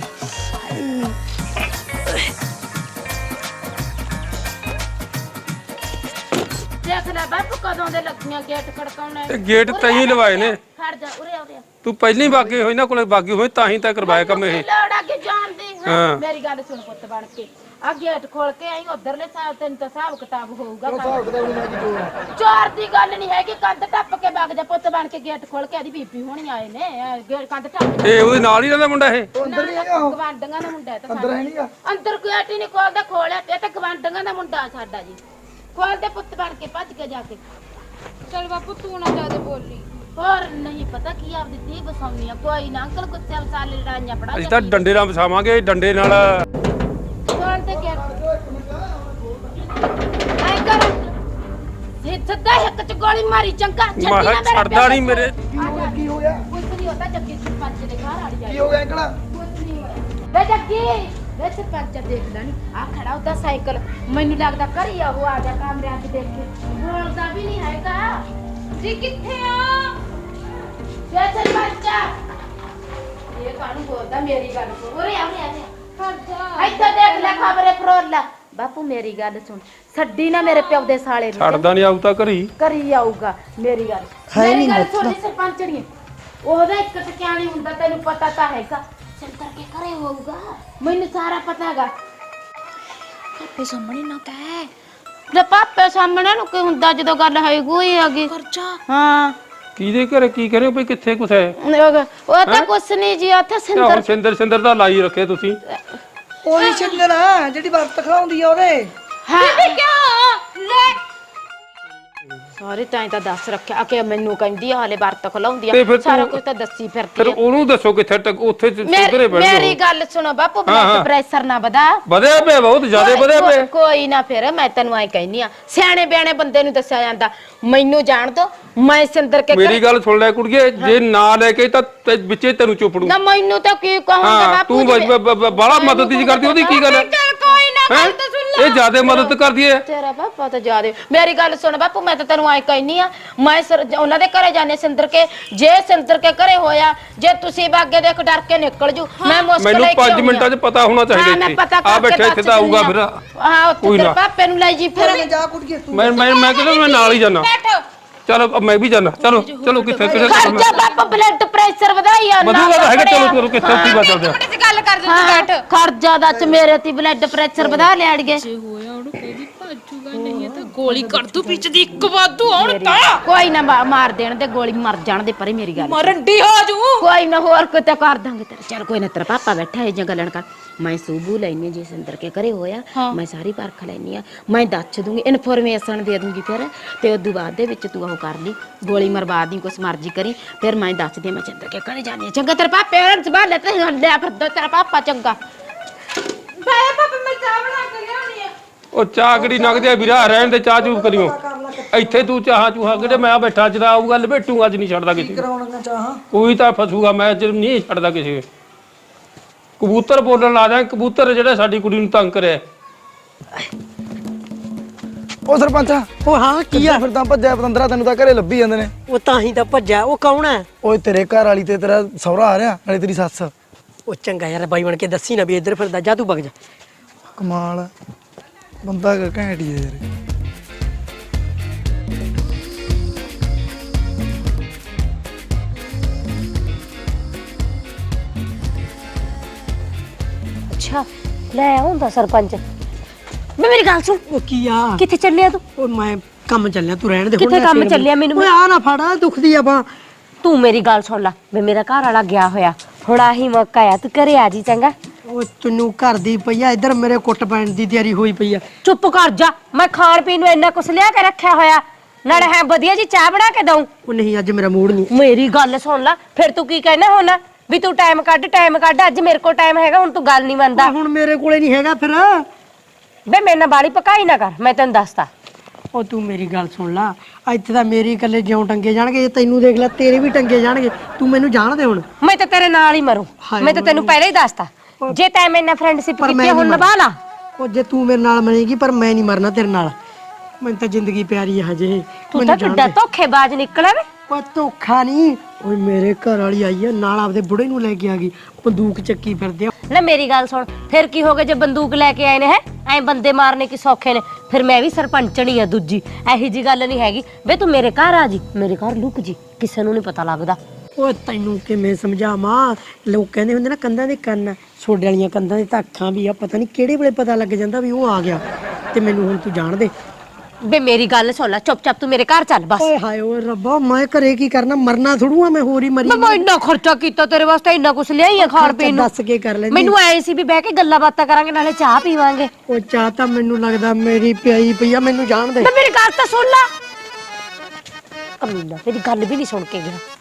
ਦੇਖ ਲੈ ਬਾਪੂ ਕਦੋਂ ਦੇ ਲੱਗੀਆਂ ਗੇਟ ਖੜਕਾਉਣਾ ਤੇ ਗੇਟ ਤਾਂ ਹੀ ਲਵਾਏ ਨੇ ਖੜ ਜਾ ਉਰੇ ਆ ਉਰੇ ਆ ਤੂੰ ਪਹਿਲਾਂ ਹੀ ਬਾਗੀ ਹੋਈ ਨਾ ਕੋਲੇ ਬਾਗੀ ਹੋਈ ਤਾਂ ਹੀ ਤਾਂ ਕਰਵਾਇਆ ਕੰਮ ਇਹ ਲੋੜ ਆ ਕੇ ਜਾਣ ਦੀ ਹਾਂ। ਹਾਂ। ਮੇਰੀ ਗੱਲ ਸੁਣ ਪੁੱਤ ਬਣ ਕੇ ਆ ਗੇਟ ਖੋਲ ਕੇ ਆਈ ਉਧਰਲੇ ਸਾਹ ਤੈਨੂੰ ਤਾਂ ਹਿਸਾਬ ਕਿਤਾਬ ਹੋਊਗਾ ਹਿਸਾਬ ਕਿਤਾਬ ਨਹੀਂ ਚੋਰ ਦੀ ਗੱਲ ਨਹੀਂ ਹੈਗੀ ਕੰਧ ਟੱਪ ਕੇ ਵਗ ਜਾ ਪੁੱਤ ਬਣ ਕੇ ਗੇਟ ਖੋਲ ਕੇ ਆਦੀ ਬੀਬੀ ਹੋਣੀ ਆਏ ਨੇ ਇਹ ਗੇਟ ਕੰਧ ਟੱਪ ਇਹ ਉਹਦੇ ਨਾਲ ਹੀ ਰਹਿੰਦਾ ਮੁੰਡਾ ਇਹ ਅੰਦਰ ਨਹੀਂ ਹੈਗਾ ਗਵਾਂਡੀਆਂ ਦਾ ਮੁੰਡਾ ਹੈ ਤਾਂ ਅੰਦਰ ਹੈ ਨਹੀਂਗਾ ਅੰਦਰ ਗੇਟ ਹੀ ਨਹੀਂ ਖੋਲਦਾ ਖੋਲਿਆ ਤੇ ਇਹ ਤਾਂ ਗਵਾਂਡੀਆਂ ਦਾ ਮੁੰਡਾ ਸਾਡਾ ਜੀ ਖੋਲ ਦੇ ਪੁੱਤ ਬਣ ਕੇ ਭੱਜ ਕੇ ਜਾ ਕੇ ਚਲ ਬਾਪੂ ਤੂੰ ਨਾ ਜ਼ਿਆਦਾ ਬੋਲੀ ਹੋਰ ਨਹੀਂ ਪਤਾ ਕੀ ਆਪਦੀ ਤੀ ਬਸਾਉਣੀ ਆ ਕੋਈ ਨਾ ਅੰਕਲ ਕੁੱਤੇ ਵਸਾਲੇ ਲੜਾਈਆਂ ਪੜਾ ਅਸੀਂ ਤਾਂ ਡੰਡੇ ਨਾਲ ਵਸਾਵਾਂਗੇ ਡੰਡੇ ਨਾਲ ਖੋਲ ਦੇ ਗੇਟ ਆਈ ਕਰ ਇਹ ਸੱਦਾ ਇੱਕ ਚ ਗੋਲੀ ਮਾਰੀ ਚੰਗਾ ਛੱਡੀ ਨਾ ਮੈਂ ਮੇਰੇ ਛੱਡਦਾ ਨਹੀਂ ਮੇਰੇ ਕੀ ਹੋਇਆ ਕੁਝ ਨਹੀਂ ਹੁੰਦਾ ਜੱਗੀ ਸਰਪੰਚ ਦੇ ਘਰ ਆੜੀ ਕੀ ਹੋ ਗਿਆ ਅੰਕਲ ਕੁਝ ਨਹੀਂ ਹੋਇਆ ਵੇ ਜੱਗੀ ਵੇ ਸਰਪੰਚ ਦੇਖ ਲੈ ਨੀ ਆ ਖੜਾ ਉਹਦਾ ਸਾਈਕਲ ਮੈਨੂੰ ਲੱਗਦਾ ਘਰੀ ਆ ਉਹ ਆ ਜਾ ਕਮਰਿਆਂ 'ਚ ਦੇਖ ਕੇ ਬੋਲਦਾ ਵੀ ਨਹੀਂ ਹੈਗਾ ਜੀ ਕਿੱਥੇ ਆ ਵੇ ਸਰਪੰਚ ਇਹ ਕਾਹਨੂੰ ਬੋਲਦਾ ਮੇਰੀ ਗੱਲ ਸੁਣ ਉਰੇ ਆ ਉਰੇ ਆ ਹਟ ਜਾ ਇੱਥੇ ਦੇਖ ਲੈ ਖਬਰੇ ਫਰੋਲ ਲੈ ਬਾਪੂ ਮੇਰੀ ਗੱਲ ਸੁਣ ਛੱਡੀ ਨਾ ਮੇਰੇ ਪਿਓ ਦੇ ਸਾਲੇ ਨੂੰ ਛੱਡਦਾ ਨਹੀਂ ਆਉ ਤਾਂ ਘਰੀ ਕਰੀ ਆਊਗਾ ਮੇਰੀ ਗੱਲ ਹੈ ਮੇਰੀ ਨੀ ਗੱਲ ਮਤਲਬ। ਸੁਣੀ ਸਰਪੰਚਣੀ ਉਹਦਾ ਇੱਕ ਟਕਿਆਣੀ ਹੁੰਦਾ ਤੈਨੂੰ ਪਤਾ ਤਾਂ ਹੈਗਾ ਸਿੰਦਰ ਕੇ ਘਰੇ ਹੋਊਗਾ, ਮੈਨੂੰ ਸਾਰਾ ਪਤਾ ਹੈਗਾ। ਪਾਪੇ ਸਾਹਮਣੇ ਨਾ ਕਹਿ। ਲੈ ਪਾਪੇ ਸਾਹਮਣੇ ਨੂੰ ਕੀ ਹੁੰਦਾ ਜਦੋਂ ਗੱਲ ਹੋਈ ਗਈ ਹੈਗੀ। ਖਰਚਾ ਹਾਂ ਕਿਹਦੇ ਘਰੇ ਕੀ ਕਰੇ ਭਈ ਕਿੱਥੇ ਕੁਛ ਹੈ? ਉਹ ਉਹ ਤਾਂ ਕੁਛ ਨਹੀਂ ਜੀ, ਉੱਥੇ ਹੁਣ ਸਿੰਦਰ ਸਿੰਦਰ ਸਿੰਦਰ ਦਾ ਲਾਈ ਰੱਖੇ ਤੁਸੀਂ। ਉਹੀ ਸਿੰਦਰ ਆ ਜਿਹੜੀ ਵਰਤ ਖਲਾਉਂਦੀ ਆ ਉਹਦੇ। ਹਾਂ ਕਿਉਂ ਲੈ ਸਾਰੇ ਤਾਂ ਤਾਂ ਦੱਸ ਰੱਖਿਆ ਕਿ ਮੈਨੂੰ ਕਹਿੰਦੀ ਆ ਹਲੇ ਵਰਤ ਖਲਾਉਂਦੀ ਤੇ ਆ, ਫਿਰ ਸਾਰਾ ਤੂੰ- ਕੁਝ ਤਾਂ ਦੱਸੀ ਫਿਰ ਫਿਰਦੀ ਆ। ਉਹਨੂੰ ਦੱਸੋ ਕਿੱਥੇ ਟਕ ਉੱਥੇ ਘਰੇ ਮੇਰੀ ਬੈਠ ਮੇਰੀ ਜਾਓ। ਗੱਲ ਸੁਣੋ ਬਾਪੂ, ਹਾਂ, ਹਾਂ। ਬਲੱਡ ਪ੍ਰੈਸ਼ਰ ਨਾ ਵਧਾ। ਵਧਿਆ ਪਿਆ ਬਹੁਤ ਜ਼ਿਆਦਾ ਵਧਿਆ ਕੋਈ- ਪਿਆ। ਕੋਈ ਨਾ, ਫਿਰ ਮੈਂ ਤੈਨੂੰ ਐ ਕਹਿੰਨੀ ਆ, ਸਿਆਣੇ ਬਿਆਣੇ ਬੰਦੇ ਨੂੰ ਦੱਸਿਆ ਜਾਂਦਾ। ਮੈਨੂੰ ਜਾਣ ਦੋ, ਮੈਂ ਸਿੰਦਰ ਕੇ ਮੇਰੀ ਗੱਲ ਸੁਣ ਲੈ ਕੁੜੀਏ, ਜੇ ਨਾ ਲੈ ਕੇ ਤਾਂ ਤੇ ਵਿੱਚੇ ਤੈਨੂੰ ਚੁੱਪੜੂ। ਨਾ ਮੈਨੂੰ ਤਾਂ ਕੀ ਕਹੂੰਗਾ ਹਾਂ ਬਾਪੂ ਤੂੰ ਜੀ। ਬਾਲਾ ਮਦਦ ਜੀ ਕਰਦੀ, ਉਹਦੀ ਕੀ ਗੱਲ ਹੈ? ਚੱਲ ਕੋਈ ਨਾ ਹੈਂ? ਗੱਲ ਤਾਂ ਸੁਣ ਲੈ। ਇਹ ਜ਼ਿਆਦਾ ਮਦਦ ਕਰਦੀ ਹੈ। ਤੇਰਾ ਪਾਪਾ ਤਾਂ ਜਾਦੇ। ਮੇਰੀ ਗੱਲ ਸੁਣ ਬਾਪੂ, ਮੈਂ ਤਾਂ ਤੈਨੂੰ ਐ ਕਹਿਨੀ ਆ, ਮੈਂ ਸਰ- ਉਹਨਾਂ ਦੇ ਘਰੇ ਜਾਣੇ ਸਿੰਦਰ ਕੇ, ਜੇ ਸਿੰਦਰ ਕੇ ਘਰੇ ਹੋਇਆ, ਜੇ ਤੁਸੀਂ ਬਾਗੇ ਦੇਖ ਡਰ ਕੇ ਨਿਕਲ ਜੂ, ਮੈਂ ਮੁਸ਼ਕਲ ਮੈਨੂੰ ਲੈ ਕੇ ਪੰਜ ਆਉਣੀ ਮਿੰਟਾਂ 'ਚ ਪਤਾ ਹੋਣਾ ਹਾਂ, ਚਾਹੀਦਾ ਮੈਂ ਇੱਥੇ। ਪਤਾ ਆ ਕਰਕੇ ਬੈਠਾ ਇੱਥੇ ਦੱਸ ਤਾਂ ਆਊਗਾ ਦਿੰਦੀ ਫਿਰ। ਆ। ਹਾਂ ਉੱਥੇ ਕੋਈ ਤੇਰੇ ਨਾ। ਪਾਪੇ ਨੂੰ ਲੈ ਜੀ ਫਿਰ। ਫਿਰ ਜਾ ਕੁੜੀਏ ਤੂੰ। ਮੈਂ ਮੈਂ ਮੈਂ ਕਹਿੰਦਾ ਮੈਂ ਨਾਲ ਹੀ ਜਾਣਾ। ਬੈਠ ਚਲੋ ਮੈਂ ਵੀ ਜਾਣਾ। ਚਲੋ ਚਲੋ ਕਿੱਥੇ ਕਿੱਥੇ ਖਰਚਾ ਬਾਪਾ, ਬਲੱਡ ਪ੍ਰੈਸ਼ਰ ਵਧਾਈ ਆ ਵਧੂਗਾ ਤਾਂ ਹੈਗਾ। ਚਲੋ ਚਲੋ ਕਿੱਥੇ ਉੱਥੇ ਬਾਤ ਚੱਲਦੇ ਆ। ਮਿੰਟ ਚ ਗੱਲ ਕਰ ਦੇ ਤੂੰ ਬੈਠ। ਖਰਚਾ ਦਾ ਚ ਮੇਰੇ ਤੇ ਬਲੱਡ ਪ੍ਰੈਸ਼ਰ ਵਧਾ ਲਿਆੜਗੇ। ਜੇ ਹੋਇਆ ਉਹਨੂੰ ਕਹਿੰਦੀ ਭੱਜੂਗਾ, ਨਹੀਂ ਤਾਂ ਗੋਲੀ ਕਰ ਦੂ ਵਿੱਚ ਦੀ ਇੱਕ ਵਾਧੂ ਹੁਣ ਤਾਂ ਕੋਈ ਨਾ ਮਾ- ਮਾਰ ਦੇਣ ਤੇ ਗੋਲੀ ਮਰ ਜਾਣ ਦੇ ਪਰੇ ਮੇਰੀ ਗੱਲ। ਮਰੰਡੀ ਹੋ ਜੂ। ਕੋਈ ਨਾ ਹੋਰ ਕੋਈ ਤਾਂ ਕਰ ਦਾਂਗੇ ਤੇਰੇ। ਚੱਲ ਕੋਈ ਨਾ, ਤੇਰਾ ਪਾਪਾ ਬੈਠਾ ਹੈ ਜਾਂ ਗੱਲਣ ਕਰ। ਮੈਂ ਸੂਬੂ ਲੈਣੀ ਜੇ ਸਿੰਦਰ ਕੇ ਘਰੇ ਹੋਇਆ, ਮੈਂ ਸਾਰੀ ਪਰਖ ਲੈਣੀ ਆ, ਮੈਂ ਦੱਸ ਦੂੰਗੀ, ਇਨਫੋਰਮੇਸ਼ਨ ਦੇ ਦੂੰਗੀ ਫਿਰ। ਤੇ ਉਦੋਂ ਬਾਅਦ ਦੇ ਵਿੱਚ ਤੂੰ ਉਹ ਕਰ ਲਈ, ਗੋਲੀ ਮਰਵਾ ਦੀ, ਕੁਛ ਮਰਜ਼ੀ ਕਰੀ, ਫਿਰ ਮੈਂ ਦੱਸ ਦੇ ਮੈਂ ਸਿੰਦਰ ਕੇ ਘਰੇ ਜਾਣੀ ਆ। ਚੰਗਾ ਤੇਰੇ ਪਾਪੇ ਉਹਨਾਂ ਸੰਭਾਲ ਲੈ ਤੇ ਹੱਲਿਆ ਫਿਰ ਤੇਰਾ ਪਾਪਾ ਚੰਗਾ। ਬਾਏ ਪਾਪਾ, ਮੈਂ ਚਾਹ ਬਣਾ ਕੇ ਲਿਆਉਣੀ ਆ। ਉਹ ਚਾਹ ਕਿਹੜੀ ਨਗਦੇ ਆ ਵੀਰਾ, ਰਹਿਣ ਦੇ ਚਾਹ ਚੂਹ ਕਰਿਓ। ਇੱਥੇ ਤੂੰ ਚਾਹਾਂ ਚੂਹਾ ਕਿਤੇ ਮੈਂ ਬੈਠਾ ਜਰਾ ਆਊਗਾ ਲਪੇਟੂਗਾ, ਅੱਜ ਨਹੀਂ ਛੱਡਦਾ ਕਿਸੇ ਨੂੰ। ਕਰਾਉਣਾ ਚਾਹਾਂ ਕੋਈ ਤਾਂ ਫਸੂਗਾ, ਮੈਂ ਅੱਜ ਨਹੀਂ ਛੱਡਦਾ ਕਿਸੇ। ਕਬੂਤਰ ਬੋਲਣ ਲਾ ਦਿਆਂ, ਕਬੂਤਰ ਜਿਹੜੇ ਸਾਡੀ ਕੁੜੀ ਨੂੰ ਤੰਗ ਕਰਿਆ। ਉਹ ਸਰਪੰਚਾ ਉਹ ਹਾਂ ਕੀ ਆ? ਫਿਰ ਤਾਂ ਭੱਜਿਆ ਪਤੰਦਰਾ, ਤੈਨੂੰ ਤਾਂ ਘਰੇ ਲੱਭੀ ਜਾਂਦੇ ਨੇ। ਉਹ ਤਾਂ ਹੀ ਤਾਂ ਭੱਜਿਆ। ਉਹ ਕੌਣ ਹੈ? ਓਏ ਤੇਰੇ ਘਰ ਵਾਲੀ ਤੇ ਤੇਰਾ ਸਹੁਰਾ ਆ ਰਿਹਾ, ਨਾਲੇ ਤੇਰੀ ਸੱਸ। ਉਹ ਚੰਗਾ ਯਾਰ, ਬਾਈ ਬਣ ਕੇ ਦੱਸੀ ਨਾ ਵੀ ਇੱਧਰ ਫਿਰਦਾ, ਜਾ ਤੂੰ ਵਗ ਜਾ। ਕਮਾਲ ਆ। ਬੰਦਾ ਘੈਂਟ ਹੀ ਹੈ ਯਾਰ। ਅੱਛਾ ਲੈ ਆਉਂਦਾ ਸਰਪੰਚ। ਮੈਂ ਮੇਰੀ ਗੱਲ ਸੁਣ, ਉਹ ਕੀ ਆ? ਕਿੱਥੇ ਚੱਲਿਆ ਤੂੰ? ਉਹ ਮੈਂ ਕੰਮ ਚੱਲਿਆ, ਤੂੰ ਰਹਿਣ ਦੇ। ਕਿੱਥੇ ਨਾ ਕੰਮ ਸਿਰ ਚੱਲਿਆ? ਮੈਨੂੰ- ਓਏ ਆ ਨਾ ਫੜਾ, ਦੁਖਦੀ ਆ ਬਾਂਹ। ਤੂੰ ਮੇਰੀ ਗੱਲ ਸੁਣ ਲੈ, ਵੇ ਮੇਰਾ ਘਰ ਵਾਲਾ ਗਿਆ ਹੋਇਆ, ਹੁਣ ਆਹੀ ਮੌਕਾ ਆ, ਤੂੰ ਘਰੇ ਆ ਜੀ ਚੰਗਾ। ਉਹ ਤੈਨੂੰ ਘਰ ਦੀ ਪਈ ਆ, ਇੱਧਰ ਮੇਰੇ ਕੁੱਟ ਪੈਣ ਦੀ ਤਿਆਰੀ ਹੋਈ ਪਈ ਆ। ਚੁੱਪ ਕਰ ਜਾ, ਮੈਂ ਖਾਣ ਪੀਣ ਨੂੰ ਇੰਨਾ ਕੁਛ ਲਿਆ ਕੇ ਰੱਖਿਆ ਹੋਇਆ, ਨਾਲੇ ਹੈ ਵਧੀਆ ਜੀ ਚਾਹ ਬਣਾ ਕੇ ਦਊਂ। ਉਹ ਨਹੀਂ, ਅੱਜ ਮੇਰਾ ਮੂਡ ਨਹੀਂ। ਮੇਰੀ ਗੱਲ ਸੁਣ ਲੈ, ਫਿਰ ਤੂੰ ਕੀ ਕਹਿਣਾ ਹੁਣ ਵੀ ਤੂੰ ਟਾਈਮ ਕੱਢ ਟਾਈਮ ਕੱਢ, ਅੱਜ ਮੇਰੇ ਕੋਲ ਟਾਈਮ ਹੈਗਾ, ਹੁਣ ਤੂੰ ਗੱਲ ਨਹੀਂ ਮੰਨਦਾ। ਹੁਣ ਮੇਰੇ ਕੋਲੇ ਨਹੀਂ ਹੈਗਾ ਫਿਰ। ਵੇ ਮੇਰੇ ਨਾਲ ਬਾਲੀ ਪਕਾਈ ਨਾ ਕਰ, ਮੈਂ ਤੈਨੂੰ ਦੱਸਦਾ। ਉਹ ਤੂੰ ਮੇਰੀ ਗੱਲ ਸੁਣ ਲਾ, ਇੱਥੇ ਤਾਂ ਮੇਰੇ ਇਕੱਲੇ ਜਿਉਂ ਟੰਗੇ ਜਾਣਗੇ, ਜੇ ਤੈਨੂੰ ਦੇਖ ਲੈ ਤੇਰੇ ਵੀ ਟੰਗੇ ਜਾਣਗੇ। ਤੂੰ ਮੈਨੂੰ ਜਾਣ ਦੇ ਹੁਣ। ਮੈਂ ਤਾਂ ਤੇਰੇ ਨਾਲ ਹੀ ਮਰੂੰ, ਹਾਏ ਮੈਂ ਤਾਂ ਤੈਨੂੰ ਪਹਿਲਾਂ ਹੀ ਦੱਸਤਾ। ਜੇ ਤੈਂ ਮੇਰੇ ਨਾਲ ਫਰੈਂਡਸ਼ਿਪ ਪਰ ਕੀਤੀ ਮੈਂ ਹੈ, ਹੁਣ ਨਹੀਂ ਨਿਭਾ ਲਾ। ਉਹ ਜੇ ਤੂੰ ਮੇਰੇ ਨਾਲ ਮਰੇਗੀ, ਪਰ ਮੈਂ ਨਹੀਂ ਮਰਨਾ ਤੇਰੇ ਨਾਲ। ਮੈਨੂੰ ਤਾਂ ਜ਼ਿੰਦਗੀ ਪਿਆਰੀ ਹੈ ਹਜੇ। ਤੂੰ ਤਾਂ ਕਿੱਡਾ ਧੋਖੇਬਾਜ਼ ਨਿਕਲਿਆ ਵੇ। ਉਹ ਧੋਖਾ ਨਹੀਂ, ਓਏ ਮੇਰੇ ਘਰ ਵਾਲੀ ਆਈ ਆ ਨਾਲ, ਆਪਦੇ ਬੁੜੇ ਨੂੰ ਲੈ ਕੇ ਆ ਗਈ, ਬੰਦੂਕ ਚੱਕੀ ਫਿਰਦੇ ਆ। ਲੈ ਮੇਰੀ ਗੱਲ ਸੁਣ, ਫਿਰ ਕੀ ਹੋ ਗਿਆ ਜੇ ਬੰਦੂਕ ਲੈ ਕੇ ਆਏ ਨੇ? ਹੈ ਐ ਬੰਦੇ ਮਾਰਨੇ ਕੀ ਸੌਖੇ ਨੇ? ਫਿਰ ਮੈਂ ਵੀ ਸਰਪੰਚਣੀ ਆ ਦੂਜੀ, ਇਹੀ ਜੀ ਗੱਲ ਨਹੀਂ ਹੈਗੀ। ਵੇ ਤੂੰ ਮੇਰੇ ਘਰ ਆ ਜੀ, ਮੇਰੇ ਘਰ ਲੁਕ ਜੀ, ਕਿਸੇ ਨੂੰ ਨਹੀਂ ਪਤਾ ਲੱਗਦਾ। ਓਏ ਤੈਨੂੰ ਕਿਵੇਂ ਸਮਝਾਵਾਂ? ਲੋਕ ਕਹਿੰਦੇ ਹੁੰਦੇ ਨਾ ਕੰਧਾਂ ਦੇ ਕੰਨ, ਛੋਡੇ ਵਾਲੀਆਂ ਕੰਧਾਂ ਦੇ ਤਾਂ ਅੱਖਾਂ ਵੀ ਆ, ਪਤਾ ਨਹੀਂ ਕਿਹੜੇ ਵੇਲੇ ਪਤਾ ਲੱਗ ਜਾਂਦਾ ਵੀ ਉਹ ਆ ਗਿਆ। ਤੇ ਮੈਨੂੰ ਹੁਣ ਤੂੰ ਜਾਣ ਦੇ। ਵੇ ਮੇਰੀ ਗੱਲ ਸੁਣ ਲੈ, ਚੁੱਪ ਚਾਪ ਤੂੰ ਮੇਰੇ ਘਰ ਚੱਲ ਬਸ। ਓਏ ਹਾਏ ਓਏ ਰੱਬਾ, ਮੈਂ ਘਰੇ ਕੀ ਕਰਨਾ? ਮਰਨਾ ਥੋੜੂ ਆ ਮੈਂ, ਹੋਰ ਹੀ ਮਰੀ। ਮੈਂ ਇੰਨਾ ਖਰਚਾ ਕੀਤਾ ਤੇਰੇ ਵਾਸਤੇ, ਇੰਨਾ ਕੁਛ ਲਿਆਈ ਆ ਖਾਣ ਪੀਣ ਨੂੰ। ਦੱਸ ਕੇ ਕਰ ਲੈਂਦੀ। ਮੈਨੂੰ ਐ ਸੀ ਵੀ ਬਹਿ ਕੇ ਗੱਲਾਂ ਬਾਤਾਂ ਕਰਾਂਗੇ, ਨਾਲੇ ਚਾਹ ਪੀਵਾਂਗੇ। ਉਹ ਚਾਹ ਤਾਂ ਮੈਨੂੰ ਲੱਗਦਾ ਮੇਰੀ ਪਿਆਈ ਪਈ ਆ, ਮੈਨੂੰ ਜਾਣ ਦੇ। ਵੇ ਮੇਰੀ ਗੱਲ ਤਾਂ ਸੁਣ ਲੈ। ਕਮੀਨਾ, ਮੇਰੀ ਗੱਲ ਵੀ ਨਹੀਂ ਸੁਣ ਕੇ ਗਿਆ।